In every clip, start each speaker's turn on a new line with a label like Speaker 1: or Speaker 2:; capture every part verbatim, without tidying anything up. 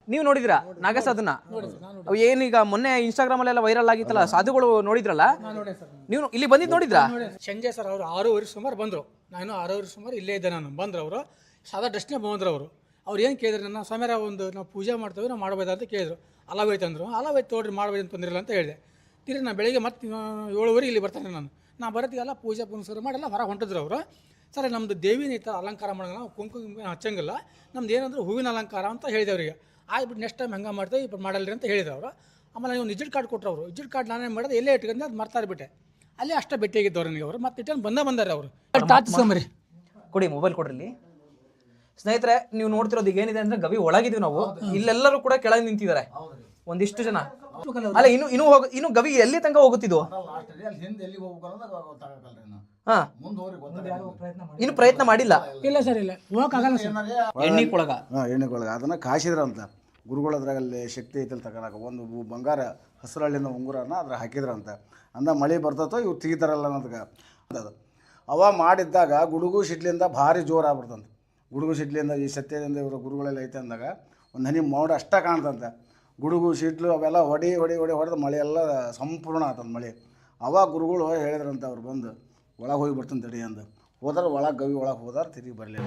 Speaker 1: ನೀವು ನೋಡಿದ್ರಾ ನಾಗಸಾಧುನ? ಅವು ಏನೀಗ ಮೊನ್ನೆ ಇನ್ಸ್ಟಾಗ್ರಾಮ್ ಅಲ್ಲೆಲ್ಲ ವೈರಲ್ ಆಗಿತ್ತಲ್ಲ, ಸಾಧುಗಳು ನೋಡಿದ್ರಲ್ಲ ನೀವು? ಇಲ್ಲಿ ಬಂದಿದ್ದು ನೋಡಿದ್ರಾ?
Speaker 2: ಸಂಜೆ ಸರ್ ಅವರು ಆರೂವರೆ ಸುಮಾರು ಬಂದರು. ನಾನು ಆರೂವರೆ ಸುಮಾರು ಇಲ್ಲೇ ಇದ್ದೆ. ನಾನು ಬಂದರು ಅವರು ಸಾದಾ ಡ್ರೆಸ್ನೇ ಬಂದರು. ಅವರು ಅವ್ರು ಏನು ಕೇಳಿದ್ರು ನನ್ನ ಸ್ವಾಮಿಯರ ಒಂದು ನಾವು ಪೂಜೆ ಮಾಡ್ತೇವೆ, ನಾವು ಮಾಡ್ಬೋದಾ ಅಂತ ಕೇಳಿದ್ರು. ಅಲಾವೈತೆ ಅಂದರು. ಅಲಾವೈತೆ ತೋಡ್ರಿ ಮಾಡ್ಬೋದು ಅಂತ ತೊಂದಿರಲ್ಲ ಅಂತ ಹೇಳಿದೆ. ತಿರ್ಗಿ ನಾನು ಬೆಳಿಗ್ಗೆ ಮತ್ತೆ ಏಳುವರೆ ಇಲ್ಲಿ ಬರ್ತಾನೆ. ನಾನು ನಾ ಬರೋತ್ತಿಗೆಲ್ಲ ಪೂಜೆ ಪುನಸ್ಕಾರ ಮಾಡಿಲ್ಲ ಹೊರಗೆ ಹೊಂಟಿದ್ರು ಅವರು. ಸರ್ ನಮ್ಮದು ದೇವಿನ ಈ ಥರ ಅಲಂಕಾರ ಮಾಡೋಂಗಿಲ್ಲ, ನಾವು ಕುಂಕುಮ ಹಚ್ಚಂಗಿಲ್ಲ, ನಮ್ದು ಏನಂದ್ರೆ ಹೂವಿನ ಅಲಂಕಾರ ಅಂತ ಹೇಳಿದೆ ಅವರಿಗೆ. ಆಗ್ಬಿಟ್ಟು ನೆಕ್ಸ್ಟ್ ಟೈಮ್ ಹಂಗೆ ಮಾಡ್ತೇವೆ, ఇప్పుడు ಮಾಡಲ್ರಿ ಅಂತ ಹೇಳಿದ್ರು ಅವರು. ಆಮೇಲೆ ನೀವು ವಿಸಿಟ್ ಕಾರ್ಡ್ ಕೊಟ್ಟರು. ಅವರು ವಿಸಿಟ್ ಕಾರ್ಡ್ ನಾನೇನು ಮಾಡೋದು ಎಲ್ಲೇ ಇಟ್ಕೊಂಡು ಅದು ಮರ್ತಾರ್ಬಿಟ್ಟೆ. ಅಲ್ಲೇ ಅಷ್ಟೇ ಭೇಟಿಯಾಗಿದ್ದವ್ರು ನನಗೆ ಅವರು. ಮತ್ತೆ ಇಟ್ಟು ಬಂದ ಬಂದಾರೆ ಅವರು. ಟಾಚಿಸ್ಕೊಂಬರಿ
Speaker 1: ಕೊಡಿ, ಮೊಬೈಲ್ ಕೊಡ್ರಿ. ಸ್ನೇಹಿತರೆ, ನೀವು ನೋಡ್ತಿರೋದು ಈಗ ಏನಿದೆ ಅಂದ್ರೆ ಗವಿ ಒಳಗಿದೀವಿ ನಾವು. ಇಲ್ಲೆಲ್ಲರೂ ಕೂಡ ಕೆಳಗೆ ನಿಂತಿದ್ದಾರೆ ಒಂದಿಷ್ಟು ಜನ. ಅಲ್ಲ, ಇನ್ನು ಇನ್ನು ಹೋಗ ಇನ್ನು ಗವಿ ಎಲ್ಲಿ ತನಕ ಹೋಗುತ್ತಿದ್ದು? ಹಾ, ಇನ್ನು ಪ್ರಯತ್ನ ಮಾಡಿಲ್ಲ.
Speaker 2: ಇಲ್ಲ ಸರ್, ಇಲ್ಲ ಹೋಗಕ್ಕಾಗಲ್ಲ ಸರ್.
Speaker 1: ಎಣ್ಣಿಕೊಳಗ
Speaker 3: ಹಾಂ ಎಣ್ಣೆಗೊಳಗೆ ಅದನ್ನು ಕಾಸಿದ್ರಂತ ಗುರುಗಳದ್ರಾಗಲ್ಲಿ ಶಕ್ತಿ ಐತಲ್ಲಿ ತಗೊಳಕ. ಒಂದು ಬಂಗಾರ ಹಸಿರಳ್ಳಿನ ಉಂಗುರನ ಅದ್ರ ಹಾಕಿದ್ರಂತ. ಅಂದ ಮಳೆ ಬರ್ತತೋ ಇವ್ರು ತೆಗಿತಾರಲ್ಲ ಅನ್ನೋದಕ್ಕೆ ಅದು ಅವ ಮಾಡಿದ್ದಾಗ ಗುಡುಗು ಸಿಡ್ಲಿಂದ ಭಾರಿ ಜೋರು ಆಗ್ಬಿಡ್ತಂತೆ. ಗುಡುಗು ಸಿಡ್ಲಿಂದ ಈ ಸತ್ಯದಿಂದ ಇವರು ಗುರುಗಳೆಲ್ಲ ಐತೆ ಅಂದಾಗ ಒಂದು ಹನಿ ಮೋಡ ಅಷ್ಟೇ ಕಾಣ್ತಂತೆ. ಗುಡುಗು ಸಿಡ್ಲು ಅವೆಲ್ಲ ಹೊಡಿ ಹೊಡಿ ಹೊಡಿ ಹೊಡೆದು ಮಳೆ ಎಲ್ಲ ಸಂಪೂರ್ಣ ಆತಂದು ಮಳೆ. ಅವಾಗ ಗುರುಗಳು ಹೇಳಿದ್ರಂತ ಅವ್ರು ಬಂದು ಒಳಗೆ ಹೋಗಿ ಬರ್ತಾನೆ ತಡಿ ಅಂದು. ಹೋದ್ರೆ ಒಳಗೆ ಗವಿ ಒಳಗೆ ಹೋದಾರ ತಿರುಗಿ ಬರಲಿಲ್ಲ.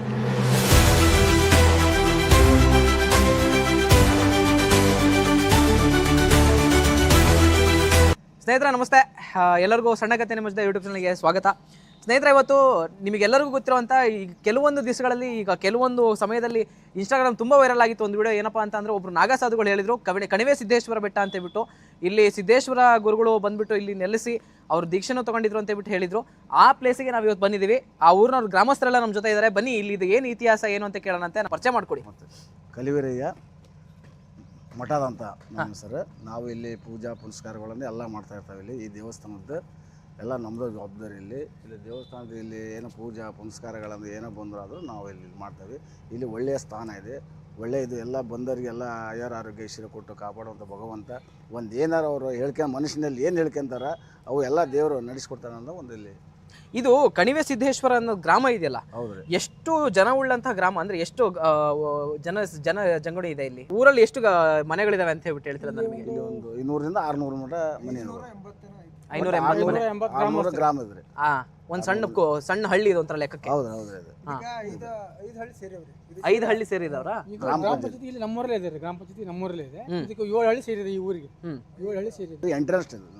Speaker 1: ಸ್ನೇಹಿತರೆ ನಮಸ್ತೆ, ಎಲ್ಲರಿಗೂ ಸಣ್ಣ ಕಥೆ ನಿಮ್ಮದೇ ಯೂಟ್ಯೂಬ್ ಚಾನಲ್ಗೆ ಸ್ವಾಗತ. ಸ್ನೇಹಿತರೆ, ಇವತ್ತು ನಿಮಗೆಲ್ಲರಿಗೂ ಗೊತ್ತಿರುವಂಥ ಈ ಕೆಲವೊಂದು ದಿವಸಗಳಲ್ಲಿ, ಈಗ ಕೆಲವೊಂದು ಸಮಯದಲ್ಲಿ ಇನ್ಸ್ಟಾಗ್ರಾಮ್ ತುಂಬ ವೈರಲ್ ಆಗಿತ್ತು ಒಂದು ವಿಡಿಯೋ. ಏನಪ್ಪ ಅಂತ ಅಂದರೆ, ಒಬ್ಬರು ನಾಗಸಾಧುಗಳು ಹೇಳಿದರು ಕವಣೆ ಕಣಿವೆ ಸಿದ್ದೇಶ್ವರ ಬೆಟ್ಟ ಅಂತ ಹೇಳ್ಬಿಟ್ಟು, ಇಲ್ಲಿ ಸಿದ್ದೇಶ್ವರ ಗುರುಗಳು ಬಂದುಬಿಟ್ಟು ಇಲ್ಲಿ ನೆಲೆಸಿ ಅವರು ದೀಕ್ಷೆನೂ ತೊಗೊಂಡಿದ್ರು ಅಂತ ಹೇಳ್ಬಿಟ್ಟು ಹೇಳಿದರು. ಆ ಪ್ಲೇಸಿಗೆ ನಾವು ಇವತ್ತು ಬಂದಿದ್ದೀವಿ. ಆ ಊರಿನವ್ರು ಗ್ರಾಮಸ್ಥರೆಲ್ಲ ನಮ್ಮ ಜೊತೆ ಇದ್ದಾರೆ. ಬನ್ನಿ, ಇಲ್ಲಿ ಇದು ಏನು ಇತಿಹಾಸ ಏನು ಅಂತ ಕೇಳೋಣ ಅಂತ ಪರಿಚಯ ಮಾಡಿಕೊಡಿ.
Speaker 3: ಕಲಿವಿರಯ್ಯ ಮಠದಂತ ನಮ್ಮ ಸರ್. ನಾವು ಇಲ್ಲಿ ಪೂಜಾ ಪುನಸ್ಕಾರಗಳನ್ನು ಎಲ್ಲ ಮಾಡ್ತಾ ಇರ್ತಾವೆ. ಇಲ್ಲಿ ಈ ದೇವಸ್ಥಾನದ್ದು ಎಲ್ಲ ನಮ್ಮದು ಜವಾಬ್ದಾರಿ. ಇಲ್ಲಿ ಇಲ್ಲಿ ದೇವಸ್ಥಾನದ ಇಲ್ಲಿ ಏನೋ ಪೂಜಾ ಪುನಸ್ಕಾರಗಳನ್ನು ಏನೋ ಬಂದರೂ ಆದರೂ ನಾವು ಇಲ್ಲಿ ಮಾಡ್ತೇವೆ. ಇಲ್ಲಿ ಒಳ್ಳೆಯ ಸ್ಥಾನ ಇದೆ, ಒಳ್ಳೆಯ ಇದು. ಎಲ್ಲ ಬಂದವರಿಗೆಲ್ಲ ಆಯರ ಆರೋಗ್ಯ ಐಶ್ವರ್ಯ ಕೊಟ್ಟು ಕಾಪಾಡುವಂಥ ಭಗವಂತ ಒಂದು ಏನಾರು ಅವರು ಹೇಳ್ಕೊಂಡು ಮನುಷ್ಯನಲ್ಲಿ ಏನು ಹೇಳ್ಕೊಂತಾರ ಅವು ಎಲ್ಲ ದೇವರು ನಡೆಸ್ಕೊಡ್ತಾನೆ ಅನ್ನೋ ಒಂದು ಇಲ್ಲಿ.
Speaker 1: ಇದು ಕಣಿವೆ ಸಿದ್ದೇಶ್ವರ ಅನ್ನೋ ಗ್ರಾಮ ಇದೆಯಲ್ಲ,
Speaker 3: ಹೌದ್ರಿ.
Speaker 1: ಎಷ್ಟು ಜನ ಉಳ್ಳಂತಹ ಗ್ರಾಮ ಅಂದ್ರೆ ಎಷ್ಟು ಜನ ಜನ ಜಂಗುಳಿ ಇದೆ ಇಲ್ಲಿ ಊರಲ್ಲಿ? ಎಷ್ಟು ಮನೆಗಳಿದಾವೆ ಅಂತ ಹೇಳ್ಬಿಟ್ಟು ಹೇಳ್ತೀರ ನಮಗೆ?
Speaker 3: ಇಲ್ಲಿ ಒಂದು ಇನ್ನೂರಿಂದ ಆರ್ನೂರು ಮಠ ಮನೆ,
Speaker 1: ಐನೂರ ಎಂಬತ್ತು ಮನೆ,
Speaker 3: ಆರ್ನೂರು ಗ್ರಾಮ ಇದ್ರಿ.
Speaker 1: ಹಾ, ಒಂದು ಸಣ್ಣ ಸಣ್ಣ ಹಳ್ಳಿ ಇದು ಒಂಥರ ಲೆಕ್ಕಕ್ಕೆ.
Speaker 3: ಹೌದು ಹೌದ್ರಿ. ಅದು
Speaker 1: ಐದು ಹಳ್ಳಿ ಸೇರಿದವ್ರ
Speaker 2: ಗ್ರಾಮ ಪಂಚಾಯತಿ ಇಲ್ಲಿ ನಮ್ಮೂರಲ್ಲೇ ಇದೆ. ಗ್ರಾಮ ಪಂಚಾಯತಿ ನಮ್ಮೂರಲ್ಲೇ ಇದೆ. ಇದಕ್ಕೆ ಏಳು ಹಳ್ಳಿ ಸೇರಿದೆ. ಈ ಊರಿಗೆ ಏಳು ಹಳ್ಳಿ ಸೇರಿದೆ.
Speaker 3: ಎಂಟ್ರೆನ್ಸ್ ಇದೆ,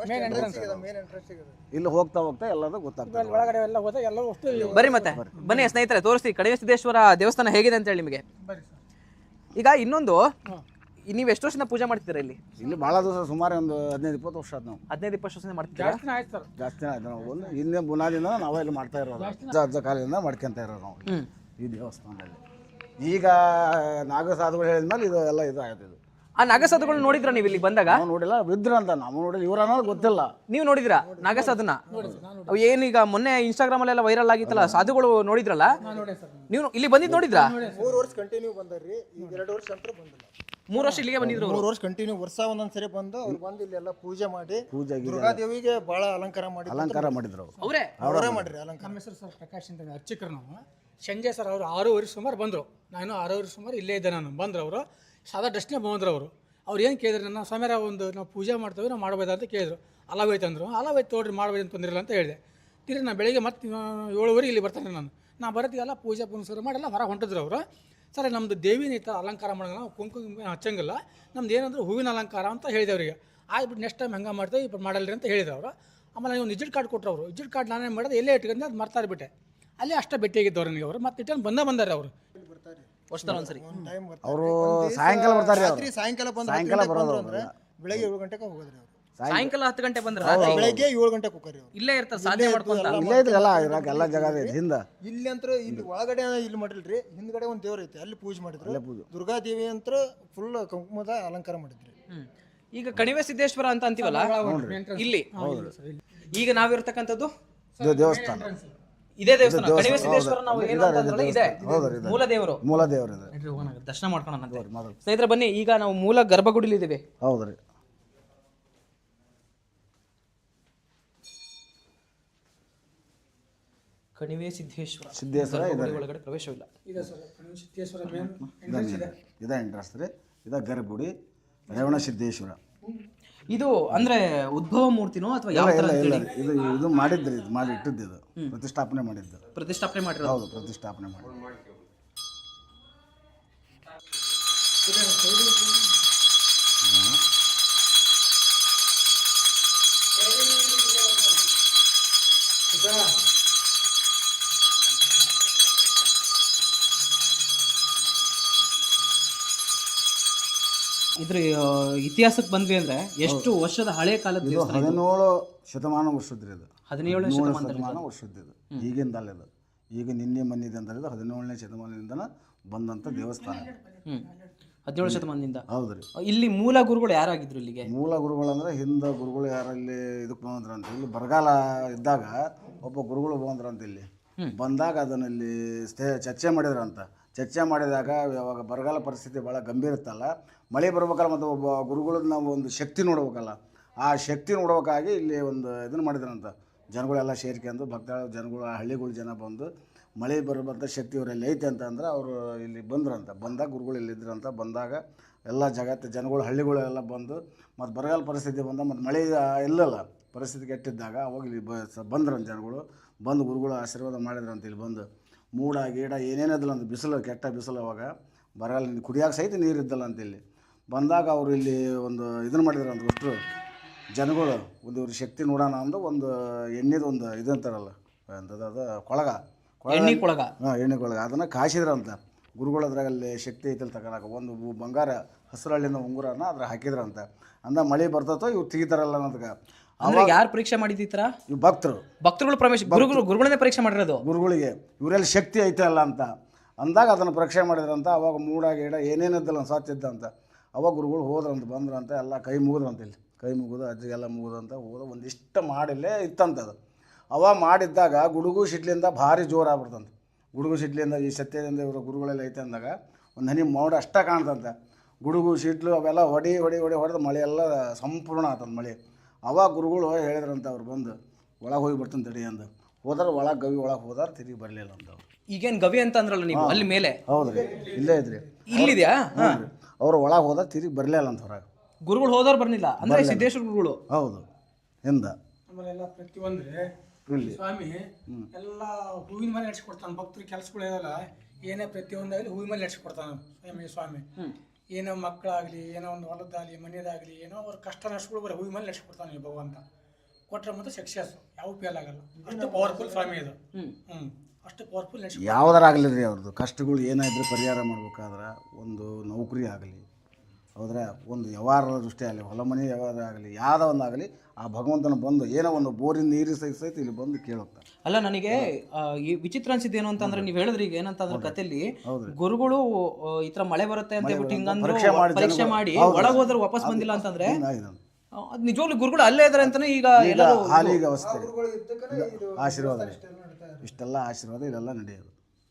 Speaker 3: ಇಲ್ಲಿ ಹೋಗ್ತಾ ಹೋಗ್ತಾ ಎಲ್ಲದೂ ಗೊತ್ತಾಗ್ತದೆ.
Speaker 2: ಒಳಗಡೆ ಎಲ್ಲ ಹೋದ ಎಲ್ಲ ಅಷ್ಟು.
Speaker 1: ಬನ್ನಿ ಮತ್ತೆ ಬನ್ನಿ ಸ್ನೇಹಿತರೆ, ತೋರಿಸ್ತೀವಿ ಕಣಿವೆ ಸಿದ್ದೇಶ್ವರ ದೇವಸ್ಥಾನ ಹೇಗಿದೆ ಅಂತ ಹೇಳಿ ನಿಮಗೆ. ಈಗ ಇನ್ನೊಂದು, ನೀವು ಎಷ್ಟು ವರ್ಷದಿಂದ ಪೂಜೆ ಮಾಡ್ತಿದ್ದೀರಾ ಇಲ್ಲಿ?
Speaker 3: ಇಲ್ಲಿ ಭಾಳ ದಿವಸ, ಸುಮಾರು ಒಂದು ಹದಿನೈದು ಇಪ್ಪತ್ತು ವರ್ಷ ಆದ್ ನಾವು.
Speaker 1: ಹದಿನೈದು ಇಪ್ಪತ್ತು ವರ್ಷದಿಂದ ಮಾಡ್ತಿದ್ದೀರಾ?
Speaker 2: ಜಾಸ್ತಿ ಆಯ್ತು ಸರ್,
Speaker 3: ಜಾಸ್ತಿ ಆಯ್ತು. ನಾವು ಒಂದು ಹಿಂದೆ ಬುನಾದಿಯಿಂದ ನಾವೇ ಇಲ್ಲಿ ಮಾಡ್ತಾ ಇರೋದು. ಅಜ್ಜ ಅಜ್ಜ ಕಾಲದಿಂದ ಮಾಡ್ಕೊಂತ ಇರೋದು ನಾವು ಈ ದೇವಸ್ಥಾನದಲ್ಲಿ. ಈಗ ನಾಗಸಾಧುಗಳು ಹೇಳಿದ್ಮೇಲೆ ಇದು ಎಲ್ಲ ಇದು ಆಯ್ತು. ಇದು
Speaker 1: ಆ ನಾಗಸಾಧುಗಳು ನೋಡಿದ್ರ ನೀವು ಇಲ್ಲಿ ಬಂದಾಗ?
Speaker 3: ನಾವು ನೋಡಿಲ್ಲ, ಬಿದ್ರ ಅಂತ ನಾವು ನೋಡಿಲ್ಲ. ಇವ್ರ ಅನ್ನೋದು ಗೊತ್ತಿಲ್ಲ.
Speaker 1: ನೀವು ನೋಡಿದ್ರಾ ನಾಗಸಾಧುನ? ಅವು ಏನೀಗ ಮೊನ್ನೆ ಇನ್ಸ್ಟಾಗ್ರಾಮ್ ಅಲ್ಲೆಲ್ಲ ವೈರಲ್ ಆಗಿತ್ತಲ್ಲ, ಸಾಧುಗಳು ನೋಡಿದ್ರಲ್ಲ ನೀವು? ಇಲ್ಲಿ ಬಂದಿದ್ದು ನೋಡಿದ್ರಾ?
Speaker 4: ಮೂರು ವರ್ಷ ಕಂಟಿನ್ಯೂ ಬಂದಾರ್ರಿ. ಈಗ ಎರಡು ವರ್ಷ ಅಂತ ಬಂದಿಲ್ಲ.
Speaker 1: ಮೂರು ವರ್ಷ ಇಲ್ಲಿಗೆ ಬಂದಿದ್ರು.
Speaker 4: ಮೂರು ವರ್ಷ ಕಂಟಿನ್ಯೂ ವರ್ಷ ಒಂದೊಂದ್ಸರಿ ಬಂದು ಅವ್ರು ಬಂದು ಇಲ್ಲೆಲ್ಲ ಪೂಜೆ ಮಾಡಿ, ಪೂಜೆ ದುರ್ಗಾದೇವಿಗೆ ಬಹಳ ಅಲಂಕಾರ ಮಾಡಿ
Speaker 3: ಅಲಂಕಾರ ಮಾಡಿದ್ರು.
Speaker 1: ಅವರೇ
Speaker 4: ಅವರೇ ಮಾಡ್ರಿ ಅಲಂಕಾರ.
Speaker 2: ನಮ್ಮ ಹೆಸರು ಸರ್ ಪ್ರಕಾಶ್ ಅಂತ, ಅರ್ಚಕರು ನಾವು. ಸಂಜೆ ಸರ್ ಅವರು ಆರೂವರೆ ಸುಮಾರು ಬಂದರು. ನಾನು ಆರೂವರೆ ಸುಮಾರು ಇಲ್ಲೇ ಇದ್ದೆ. ನಾನು ಬಂದರು. ಅವರು ಸಾದಾ ಡ್ರೆಸ್ನೇ ಬಂದರು. ಅವರು ಅವ್ರು ಏನು ಕೇಳಿದ್ರು ನನ್ನ ಸ್ವಾಮಿಯರ ಒಂದು ನಾವು ಪೂಜೆ ಮಾಡ್ತೇವೆ, ನಾವು ಮಾಡ್ಬೋದಾ ಅಂತ ಕೇಳಿದ್ರು. ಅಲಾವೈತೆ ಅಂದರು. ಅಲಾವೈತೆ ತೋಡ್ರಿ ಮಾಡ್ಬೋದು ಅಂತ ತೊಂದಿರಲ್ಲ ಅಂತ ಹೇಳಿದೆ. ತಿರ್ಗಿ ನಾನು ಬೆಳಿಗ್ಗೆ ಮತ್ತೆ ಏಳುವರೆ ಇಲ್ಲಿ ಬರ್ತಾನೆ. ನಾನು ನಾ ಬರೋತ್ತಿಗೆಲ್ಲ ಪೂಜೆ ಪುನಸ್ಕಾರ ಮಾಡಿಲ್ಲ ಹೊರಗೆ ಹೊಂಟಿದ್ರು ಅವರು. ಸರ್ ನಮ್ಮದು ದೇವಿನ ಈ ಥರ ಅಲಂಕಾರ ಮಾಡೋಂಗಿಲ್ಲ, ನಾವು ಕುಂಕುಮ ಹಚ್ಚಂಗಿಲ್ಲ, ನಮ್ದು ಏನಂದ್ರೆ ಹೂವಿನ ಅಲಂಕಾರ ಅಂತ ಹೇಳಿದೆ ಅವರಿಗೆ. ಆಗ್ಬಿಟ್ಟು ನೆಕ್ಸ್ಟ್ ಟೈಮ್ ಹಂಗೆ ಮಾಡ್ತೇವೆ, ఇప్పుడు ಮಾಡಲ್ರಿ ಅಂತ ಹೇಳಿದ್ರು ಅವರು. ಆಮೇಲೆ ನೀವು ವಿಸಿಟ್ ಕಾರ್ಡ್ ಕೊಟ್ಟರು. ಅವರು ವಿಸಿಟ್ ಕಾರ್ಡ್ ನಾನೇನು ಮಾಡೋದು ಎಲ್ಲೇ ಇಟ್ಕೊಂಡು ಅದು ಮರ್ತಾರ್ಬಿಟ್ಟೆ. ಅಲ್ಲೇ ಅಷ್ಟೇ ಭೇಟಿಯಾಗಿದ್ದವ್ರು ನನಗೆ ಅವರು. ಮತ್ತೆ ಇಟ್ಟು ಬಂದ ಬಂದಾರೆ ಅವರು.
Speaker 1: ವರ್ಷದಲ್ಲಿ ಒಂದ್ಸರಿ
Speaker 3: ಅವರು ಸಾಯಂಕಾಲ ಬರ್ತಾರೆ.
Speaker 4: ರಾತ್ರಿ ಸಾಯಂಕಾಲ ಬಂದು
Speaker 3: ಸಾಯಂಕಾಲ ಬರೋದು
Speaker 4: ಅಂದ್ರೆ ಬೆಳಗ್ಗೆ ಏಳು ಗಂಟೆಗೆ ಹೋಗೋದ್ರಿ ಅವರು.
Speaker 1: ಸಾಯಂಕಾಲ ಹತ್ತು ಗಂಟೆ ಬಂದ್ರೆ
Speaker 4: ಬೆಳಗ್ಗೆ ಏಳು ಗಂಟೆಗೆ ಹೋಗ್ರಿ ಅವರು.
Speaker 1: ಇಲ್ಲೇ ಇರ್ತಾರೆ, ಸಾಧನೆ ಮಾಡ್ಕೊಂತ.
Speaker 3: ಇಲ್ಲೇ ಇದ್ರಲ್ಲ ಇರಾಕ ಎಲ್ಲ ಜಾಗ ಇದೆ ಹಿಂದ.
Speaker 4: ಇಲ್ಲಿ ಅಂತ ಇಲ್ಲಿ ಒಳಗಡೆ ಇಲ್ಲಿ ಮಾಡಿಲ್ರಿ, ಹಿಂದ್ಗಡೆ ಒಂದು ದೇವ್ರ ಐತಿ, ಅಲ್ಲಿ ಪೂಜೆ ಮಾಡಿದ್ರು. ದುರ್ಗಾದೇವಿ ಅಂತ ಫುಲ್ ಕುಂಕುಮದ ಅಲಂಕಾರ ಮಾಡಿದ್ರಿ.
Speaker 1: ಈಗ ಕಣಿವೆ ಸಿದ್ದೇಶ್ವರ ಅಂತ ಅಂತೀವಲ್ಲ ಇಲ್ಲಿ, ಈಗ ನಾವಿರ್ತಕ್ಕಂಥದ್ದು
Speaker 3: ದೇವಸ್ಥಾನ,
Speaker 1: ಇದೇ ದೇವಸ್ಥಾನ ಕಣಿವೆ ಸಿದ್ದೇಶ್ವರ. ನಾವು ಏನು ಅಂತಂದ್ರೆ ಇದೆ ಮೂಲ ದೇವರು.
Speaker 3: ಮೂಲ ದೇವರು ಇದೆ.
Speaker 1: ದರ್ಶನ ಮಾಡ್ಕೊಳ್ಳೋಣ ಸ್ನೇಹಿತರೆ, ಬನ್ನಿ. ಈಗ ನಾವು ಮೂಲ ಗರ್ಭಗುಡಿಲಿ ಇದ್ದೀವಿ.
Speaker 3: ಹೌದ್ರಿ.
Speaker 1: ಕಣಿವೆ ಸಿದ್ದೇಶ್ವರ
Speaker 3: ಸಿದ್ದೇಶ್ವರ
Speaker 1: ಒಳಗಡೆ ಪ್ರವೇಶವಿಲ್ಲ.
Speaker 2: ಇದೆ ಸರ್, ಕಣಿವೆ ಸಿದ್ದೇಶ್ವರ ಮೇನ್
Speaker 3: ಇದೇ ಇಂಟ್ರೆಸ್ಟ್ ರೀ. ಇದು ಗರ್ಭಗುಡಿ ರೇವಣ ಸಿದ್ದೇಶ್ವರ.
Speaker 1: ಇದು ಅಂದ್ರೆ ಉದ್ಭವ ಮೂರ್ತಿನೋ ಅಥವಾ ಯಾವ
Speaker 3: ಇಲ್ಲ
Speaker 1: ತರ
Speaker 3: ಇಲ್ಲ ಇದು ಇದು ಮಾಡಿದ್ರಿ, ಇದು ಮಾಡಿ ಇಟ್ಟಿದ್ದು, ಇದು ಪ್ರತಿಷ್ಠಾಪನೆ ಮಾಡಿದ್ದು.
Speaker 1: ಪ್ರತಿಷ್ಠಾಪನೆ ಮಾಡಿರೋದು?
Speaker 3: ಹೌದು, ಪ್ರತಿಷ್ಠಾಪನೆ ಮಾಡಿ.
Speaker 1: ಇದ್ರ ಆ, ಇತಿಹಾಸಕ್ಕೆ ಬಂದ್ವಿ ಅಂದ್ರೆ ಎಷ್ಟು ವರ್ಷದ ಹಳೆ ಕಾಲದ
Speaker 3: ಇದು
Speaker 1: ದೇವಸ್ಥಾನ ಇದು?
Speaker 3: ಹದಿನೇಳು ಶತಮಾನ ವರ್ಷದ್ರಿ ಇದು.
Speaker 1: ಹದಿನೇಳನೇ
Speaker 3: ಹದಿನೇಳು
Speaker 1: ಶತಮಾನದಲ್ಲಿ
Speaker 3: ಶತಮಾನ ವರ್ಷದ್ದು ಇದು. ಈಗಿಂದಲ್ಲ ಇದು, ಈಗ ನಿನ್ನೆ ಮನ್ನಿದೆ ಅಂತ ಇದು ಹದಿನೇಳನೇ ಶತಮಾನದಿಂದ ಬಂದಂಥ ದೇವಸ್ಥಾನ.
Speaker 1: ಹ್ಮ್ ಹದಿನೇಳು ಶತಮಾನದಿಂದ.
Speaker 3: ಹೌದ್ರಿ.
Speaker 1: ಇಲ್ಲಿ ಮೂಲ ಗುರುಗಳು ಯಾರಾಗಿದ್ರು ಇಲ್ಲಿಗೆ?
Speaker 3: ಮೂಲ ಗುರುಗಳಂದ್ರೆ ಹಿಂದೆ ಗುರುಗಳು ಯಾರಲ್ಲಿ ಇದಕ್ಕೆ ಬಂದ್ರಂತ, ಇಲ್ಲಿ ಬರಗಾಲ ಇದ್ದಾಗ ಒಬ್ಬ ಗುರುಗಳು ಬಂದ್ರಂತ. ಇಲ್ಲಿ ಬಂದಾಗ ಅದನ್ನ ಇಲ್ಲಿ ಸ್ಥೆ ಚರ್ಚೆ ಮಾಡಿದ್ರಂತ. ಚರ್ಚೆ ಮಾಡಿದಾಗ ಯಾವಾಗ ಬರಗಾಲ ಪರಿಸ್ಥಿತಿ ಭಾಳ ಗಂಭೀರ ಇತ್ತಲ್ಲ, ಮಳೆ ಬರ್ಬೇಕಲ್ಲ, ಮತ್ತು ಒಬ್ಬ ಗುರುಗಳನ್ನ ನಾವು ಒಂದು ಶಕ್ತಿ ನೋಡ್ಬೇಕಲ್ಲ, ಆ ಶಕ್ತಿ ನೋಡ್ಬೇಕಾಗಿ ಇಲ್ಲಿ ಒಂದು ಇದನ್ನು ಮಾಡಿದ್ರಂತ. ಜನಗಳೆಲ್ಲ ಸೇರ್ಕೊಂಡು ಭಕ್ತಾಳ ಜನಗಳು, ಹಳ್ಳಿಗಳ ಜನ ಬಂದು ಮಳೆ ಬರುವಂಥ ಶಕ್ತಿ ಇವರಲ್ಲಿ ಐತೆ ಅಂತ ಅಂದ್ರೆ ಅವರು ಇಲ್ಲಿ ಬಂದ್ರಂತ. ಬಂದಾಗ ಗುರುಗಳು ಇಲ್ಲಿದ್ರಂತ. ಬಂದಾಗ ಎಲ್ಲ ಜಗತ್ತು ಜನಗಳು ಹಳ್ಳಿಗಳೆಲ್ಲ ಬಂದು ಮತ್ತು ಬರಗಾಲ ಪರಿಸ್ಥಿತಿ ಬಂದ ಮತ್ತು ಮಳೆ ಇಲ್ಲಲ್ಲ, ಪರಿಸ್ಥಿತಿ ಕೆಟ್ಟಿದ್ದಾಗ ಅವಾಗ ಇಲ್ಲಿ ಬ ಬಂದ್ರಂತ ಜನಗಳು. ಬಂದು ಗುರುಗಳು ಆಶೀರ್ವಾದ ಮಾಡಿದ್ರಂತ. ಇಲ್ಲಿ ಬಂದು ಮೂಡ ಗೀಡ ಏನೇನಿದ್ದಲ್ಲ ಅಂತ, ಬಿಸಿಲು ಕೆಟ್ಟ ಬಿಸಿಲು, ಅವಾಗ ಬರಗಾಲ ಕುಡಿಯೋಕೆ ಸಹಿತ ನೀರು ಇದ್ದಲ್ಲ ಅಂತ. ಇಲ್ಲಿ ಬಂದಾಗ ಅವರು ಇಲ್ಲಿ ಒಂದು ಇದನ್ನು ಮಾಡಿದ್ರಂತ. ಅಷ್ಟು ಜನಗಳು ಒಂದು ಇವ್ರ ಶಕ್ತಿ ನೋಡೋಣ ಅಂದು ಒಂದು ಎಣ್ಣೆದು ಒಂದು ಇದು ಅಂತಾರಲ್ಲ, ಅಂಥದ್ದು ಅದು ಕೊಳಗ
Speaker 1: ಎಣ್ಣೆ ಕೊಳಗ.
Speaker 3: ಹಾಂ, ಎಣ್ಣೆ ಕೊಳಗ. ಅದನ್ನು ಕಾಯಿಸಿದ್ರಂತ ಗುರುಗಳು. ಅದ್ರಾಗಲ್ಲಿ ಶಕ್ತಿ ಐತಲ್ಲಿ ತಗೊಳಕ ಒಂದು ಬಂಗಾರ ಹಸಿರಳ್ಳಿನ ಉಂಗುರನ ಅದ್ರ ಹಾಕಿದ್ರಂತ. ಅಂದ ಮಳೆ ಬರ್ತತೋ ಇವ್ರು ತೆಗಿತಾರಲ್ಲ ಅನ್ನೋದಕ್ಕೆ.
Speaker 1: ಅಂದ್ರೆ ಯಾರು ಪರೀಕ್ಷೆ ಮಾಡಿದ್ದೀರ?
Speaker 3: ಇವು ಭಕ್ತರು,
Speaker 1: ಭಕ್ತರುಗಳು ಪ್ರವೇಶ, ಗುರುಗಳು ಗುರುಗಳನ್ನೇ ಪರೀಕ್ಷೆ ಮಾಡಿರೋದು.
Speaker 3: ಗುರುಗಳಿಗೆ ಇವರಲ್ಲಿ ಶಕ್ತಿ ಐತೆ ಅಲ್ಲ ಅಂತ ಅಂದಾಗ ಅದನ್ನು ಪರೀಕ್ಷೆ ಮಾಡಿದ್ರಂತ. ಅವಾಗ ಮೂಡ ಗೀಡ ಏನೇನಿದ್ದಲ್ಲ ಸಾತಿದ್ದ ಅಂತ. ಅವಾಗ ಗುರುಗಳು ಹೋದ್ರಂತ, ಬಂದ್ರಂತ, ಎಲ್ಲ ಕೈ ಮುಗಿದ್ರಂತ. ಇಲ್ಲಿ ಕೈ ಮುಗಿದು ಅಜ್ಜಿಗೆಲ್ಲ ಮುಗಿದಂತ ಹೋದ ಒಂದಿಷ್ಟು ಮಾಡಿಲ್ಲೇ ಇತ್ತಂತದು. ಅವ ಮಾಡಿದ್ದಾಗ ಗುಡುಗು ಸಿಡ್ಲಿಂದ ಭಾರಿ ಜೋರು ಆಗ್ಬಿಡ್ತಂತ. ಗುಡುಗು ಸಿಡ್ಲಿಂದ ಈ ಸತ್ಯದಿಂದ ಇವರು ಗುರುಗಳೆಲ್ಲ ಐತೆ ಅಂದಾಗ ಒಂದು ಹನಿ ಮೋಡ ಅಷ್ಟ ಕಾಣ್ತಂತೆ. ಗುಡುಗು ಸಿಡ್ಲು ಅವೆಲ್ಲ ಹೊಡಿ ಹೊಡಿ ಹೊಡಿ ಹೊಡೆದು ಮಳೆ ಎಲ್ಲ ಸಂಪೂರ್ಣ ಆತಂತ ಮಳೆ. ಅವಾಗ ಗುರುಗಳು ಹೇಳಿದ್ರಂತ, ಅವ್ರು ಬಂದು ಒಳಗೆ ಹೋಗಿ ಬರ್ತಾನೆ ತಡಿ ಅಂದ. ಹೋದ್ರೆ ಒಳಗೆ ಗವಿ ಒಳಗೆ ಹೋದಾರ ತಿರುಗಿ ಬರಲಿಲ್ಲ ಅಂತ ಅವ್ರು.
Speaker 1: ಈಗೇನು ಗವಿ ಅಂತ ಅಂದ್ರಲ್ಲ ನೀವು ಅಲ್ಲಿ ಮೇಲೆ?
Speaker 3: ಹೌದ್ರಿ, ಇಲ್ಲೇ ಇದ್ರಿ.
Speaker 1: ಇಲ್ಲಿದ್ಯಾ?
Speaker 3: ಅವ್ರು ಒಳಗೆ ಹೋದಾಗ ತಿರುಗಿ ಬರಲಿಲ್ಲ ಅಂತ ಹೊರಗೆ.
Speaker 1: ಗುರುಗಳು ಹೋದವ್ರು ಬರ್ಲಿಲ್ಲ ಅಂದ್ರೆ ಸಿದ್ದೇಶ್ವರ ಗುರುಗಳು?
Speaker 3: ಹೌದು, ಹಿಂದ
Speaker 2: ಆಮೇಲೆಲ್ಲ ಪ್ರತಿಯೊಂದ್ರೆ
Speaker 3: ಇಲ್ಲಿ
Speaker 2: ಸ್ವಾಮಿ ಎಲ್ಲ ಹೂವಿನ ಮೇಲೆ ನಡೆಸ್ಕೊಡ್ತಾನೆ. ಭಕ್ತರು ಕೆಲಸಗಳು ಇರಲ್ಲ, ಏನೇ ಪ್ರತಿಯೊಂದಾಗಲಿ ಹೂವಿನ ಮೇಲೆ ನಡೆಸ್ಕೊಡ್ತಾನೆ ಸ್ವಾಮಿ. ಸ್ವಾಮಿ ಏನೋ ಮಕ್ಕಳಾಗಲಿ, ಏನೋ ಒಂದು ಹೊಲದಾಗಲಿ ಮನೆಯದಾಗಲಿ, ಏನೋ ಅವ್ರ ಕಷ್ಟ ನಷ್ಟಗಳು ಬರೋ ಹೂವಿನ ಮೇಲೆ ನಡೆಸ್ಕೊಡ್ತಾನೆ ಈ ಭಗವಂತ. ಕೊಟ್ಟರೆ ಮತ್ತು ಸಕ್ಸಸ್ ಯಾವ ಫೇಲ್ ಆಗಲ್ಲ. ಅಷ್ಟು ಪವರ್ಫುಲ್ ಸ್ವಾಮಿ ಇದು. ಹ್ಞೂ ಅಷ್ಟು ಪವರ್ಫುಲ್ ನಡೆಸಿ
Speaker 3: ಯಾವ್ದಾರಾಗಲಿ ರೀ, ಅವ್ರದ್ದು ಕಷ್ಟಗಳು ಏನಾದರೂ ಪರಿಹಾರ ಮಾಡ್ಬೇಕಾದ್ರೆ, ಒಂದು ನೌಕರಿ ಆಗಲಿ, ಹೌದ್ರೆ ಒಂದು ವ್ಯವಹಾರದ ದೃಷ್ಟಿ ಆಗಲಿ, ಹೊಲ ಮನೆ ವ್ಯವಹಾರ ಆಗಲಿ, ಯಾವುದೋ ಒಂದಾಗಲಿ, ಆ ಭಗವಂತನ ಬಂದು ಏನೋ ಒಂದು ಬೋರಿನ ನೀರು ಸಹಿತ ಸಹಿತ ಇಲ್ಲಿ ಬಂದು ಕೇಳುತ್ತಾರೆ.
Speaker 1: ಅಲ್ಲ, ನನಗೆ ಈ ವಿಚಿತ್ರ ಅನ್ಸಿದ್ದು ಏನು ಅಂತಂದ್ರೆ, ನೀವು ಹೇಳಿದ್ರಿ ಈಗ ಏನಂತಂದ್ರೆ ಕಥೆಯಲ್ಲಿ ಗುರುಗಳು ಈ ತರ ಮಳೆ ಬರುತ್ತೆ ಅಂತ ಹೇಳ್ಬಿಟ್ಟು ಹಿಂಗಂದ್ರು ಪರೀಕ್ಷೆ ಮಾಡಿ ಒಳಗೆ ಹೋದ್ರೆ ವಾಪಸ್ ಬಂದಿಲ್ಲ ಅಂತಂದ್ರೆ ಅದು ನಿಜವಾಗ್ಲೂ ಗುರುಗಳು ಅಲ್ಲೇ ಇದಾರೆ ಅಂತಾನೆ ಈಗ ಎಲ್ಲರೂ
Speaker 3: ಹಾಲಿಗೆ ಅವಸ್ಥೆ ಆಶೀರ್ವಾದ, ಇಷ್ಟೆಲ್ಲ ಆಶೀರ್ವಾದ ಇಲ್ಲೆಲ್ಲ ನಡೆಯೋದು.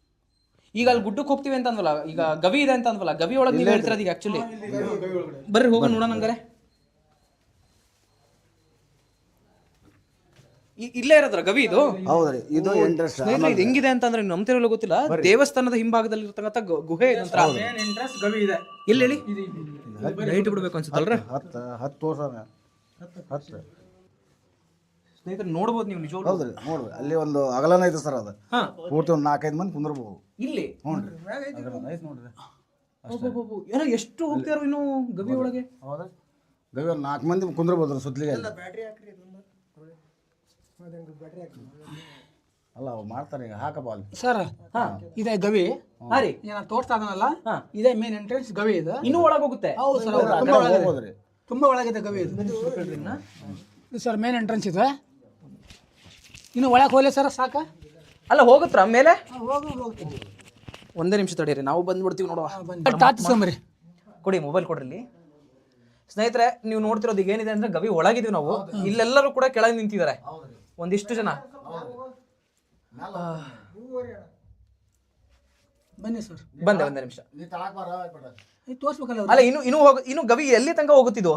Speaker 1: ಈಗ ಅಲ್ಲಿ ಗುಡ್ಡಕ್ಕೆ ಹೋಗ್ತೀವಿ ಅಂತ ಅಂದ್ವಲ್ಲ, ಈಗ ಗವಿ ಇದೆ ಅಂತ ಅಂದ್ವಲ್ಲ, ಗವಿ ಒಳಗೆ ನೀವು ಹೇಳ್ತಿರೋದು ಈಗ ಆಕ್ಚುಲಿ ಬರ್ರಿ ಹೋಗೋಣ ನೋಡೋಣ. ಹಂಗಾರೆ ಇಲ್ಲೇ ಇರೋದ್ರ ಗವಿ ಇದು?
Speaker 3: ಹೌದ್ರಿ, ಇದು ಎಂಟ್ರೆನ್ಸ್.
Speaker 1: ಇದು ಹೆಂಗಿದೆ ಅಂತಂದ್ರೆ ನಂಬ್ತಿರಲ್ಲ ಗೊತ್ತಿಲ್ಲ, ದೇವಸ್ಥಾನದ ಹಿಂಭಾಗದಲ್ಲಿ ಇರ್ತಕ್ಕಂಥ ಗುಹೆ ಇದಂತ
Speaker 2: ಗವಿ ಇದೆ.
Speaker 1: ಎಲ್ಲಿ ಹೇಳಿ? ಲೈಟ್ ಬಿಡ್ಬೇಕು ಅನ್ಸುತ್ತಲ್ರ?
Speaker 3: ಹತ್ತು ಹತ್ತು ವರ್ಷ ಹತ್ತು
Speaker 1: ಸ್ನೇಹಿತರೆ ನೋಡ್ಬೋದು ನೀವು ನಿಜವಾಗ್ಲೂ.
Speaker 3: ಹೌದ್ರಿ, ನೋಡ್ರಿ ಅಲ್ಲಿ ಒಂದು ಅಗಲನ ಐತೆ ಸರ್. ಅದು ಪೂರ್ತಿ ಒಂದು ನಾಲ್ಕೈದು ಮಂದಿ ಕುಂದ್ರಬಹುದು
Speaker 1: ಇಲ್ಲಿ.
Speaker 3: ಹ್ಞೂ ರೀ, ಐತೆ ನೋಡ್ರಿ.
Speaker 1: ಏನೋ ಎಷ್ಟು ಹೋಗ್ತಾರ ಇನ್ನು ಗವಿ ಒಳಗೆ?
Speaker 3: ಹೌದಾ, ಗವಿ ಒಂದು ನಾಲ್ಕು ಮಂದಿ ಕುಂದ್ರಬಹುದು ಸುತ್ತಲಿಗೆ. ಅಲ್ಲ ಅವು ಮಾಡ್ತಾರೆ ಈಗ, ಹಾಕಪ್ಪ ಅಲ್ಲಿ
Speaker 2: ಸರ್. ಇದೇ ಗವಿ ಏನ ತೋರ್ಸ್ತಾ ಇದನಲ್ಲ, ಇದೇ ಮೇನ್ ಎಂಟ್ರೆನ್ಸ್ ಗವಿ ಇದೆ.
Speaker 1: ಇನ್ನೂ ಒಳಗೆ ಹೋಗುತ್ತೆ?
Speaker 2: ಹೌದು ಸರ್, ತುಂಬಾ ಒಳಗಿದೆ, ತುಂಬಾ ಒಳಗಿದೆ ಗವಿ ಇದು ಸರ್. ಮೇನ್ ಎಂಟ್ರೆನ್ಸ್ ಇದೆ, ಇನ್ನು ಒಳಗೆ ಹೋಗ್ಲಿ ಸರ್ ಸಾಕ?
Speaker 1: ಅಲ್ಲ ಹೋಗುತ್ತರ ಮೇಲೆ?
Speaker 2: ಹೋಗಿ ಹೋಗ್ತೀವಿ.
Speaker 1: ಒಂದೇ ನಿಮಿಷ ತಡೀರಿ, ನಾವು ಬಂದ್ಬಿಡ್ತೀವಿ ನೋಡುವ.
Speaker 2: ತಾತಿಸ್ಕೊಂಬರಿ,
Speaker 1: ಕೊಡಿ ಮೊಬೈಲ್ ಕೊಡ್ರಿ. ಇಲ್ಲಿ ಸ್ನೇಹಿತರೆ ನೀವು ನೋಡ್ತಿರೋದು ಈಗ ಏನಿದೆ ಅಂದ್ರೆ ಗವಿ ಒಳಗಿದೀವಿ ನಾವು. ಇಲ್ಲೆಲ್ಲರೂ ಕೂಡ ಕೆಳಗೆ ನಿಂತಿದ್ದಾರೆ ಒಂದಿಷ್ಟು ಜನ.
Speaker 2: ಬನ್ನಿ ಸರ್.
Speaker 1: ಬಂದೆ ಒಂದೇ ನಿಮಿಷ.
Speaker 2: ತೋರ್ಸ್ಬೇಕಲ್ಲ.
Speaker 1: ಅಲ್ಲ ಇನ್ನು ಇನ್ನು ಹೋಗ ಇನ್ನು ಗವಿ ಎಲ್ಲಿ ತನಕ ಹೋಗುತ್ತಿದ್ದು?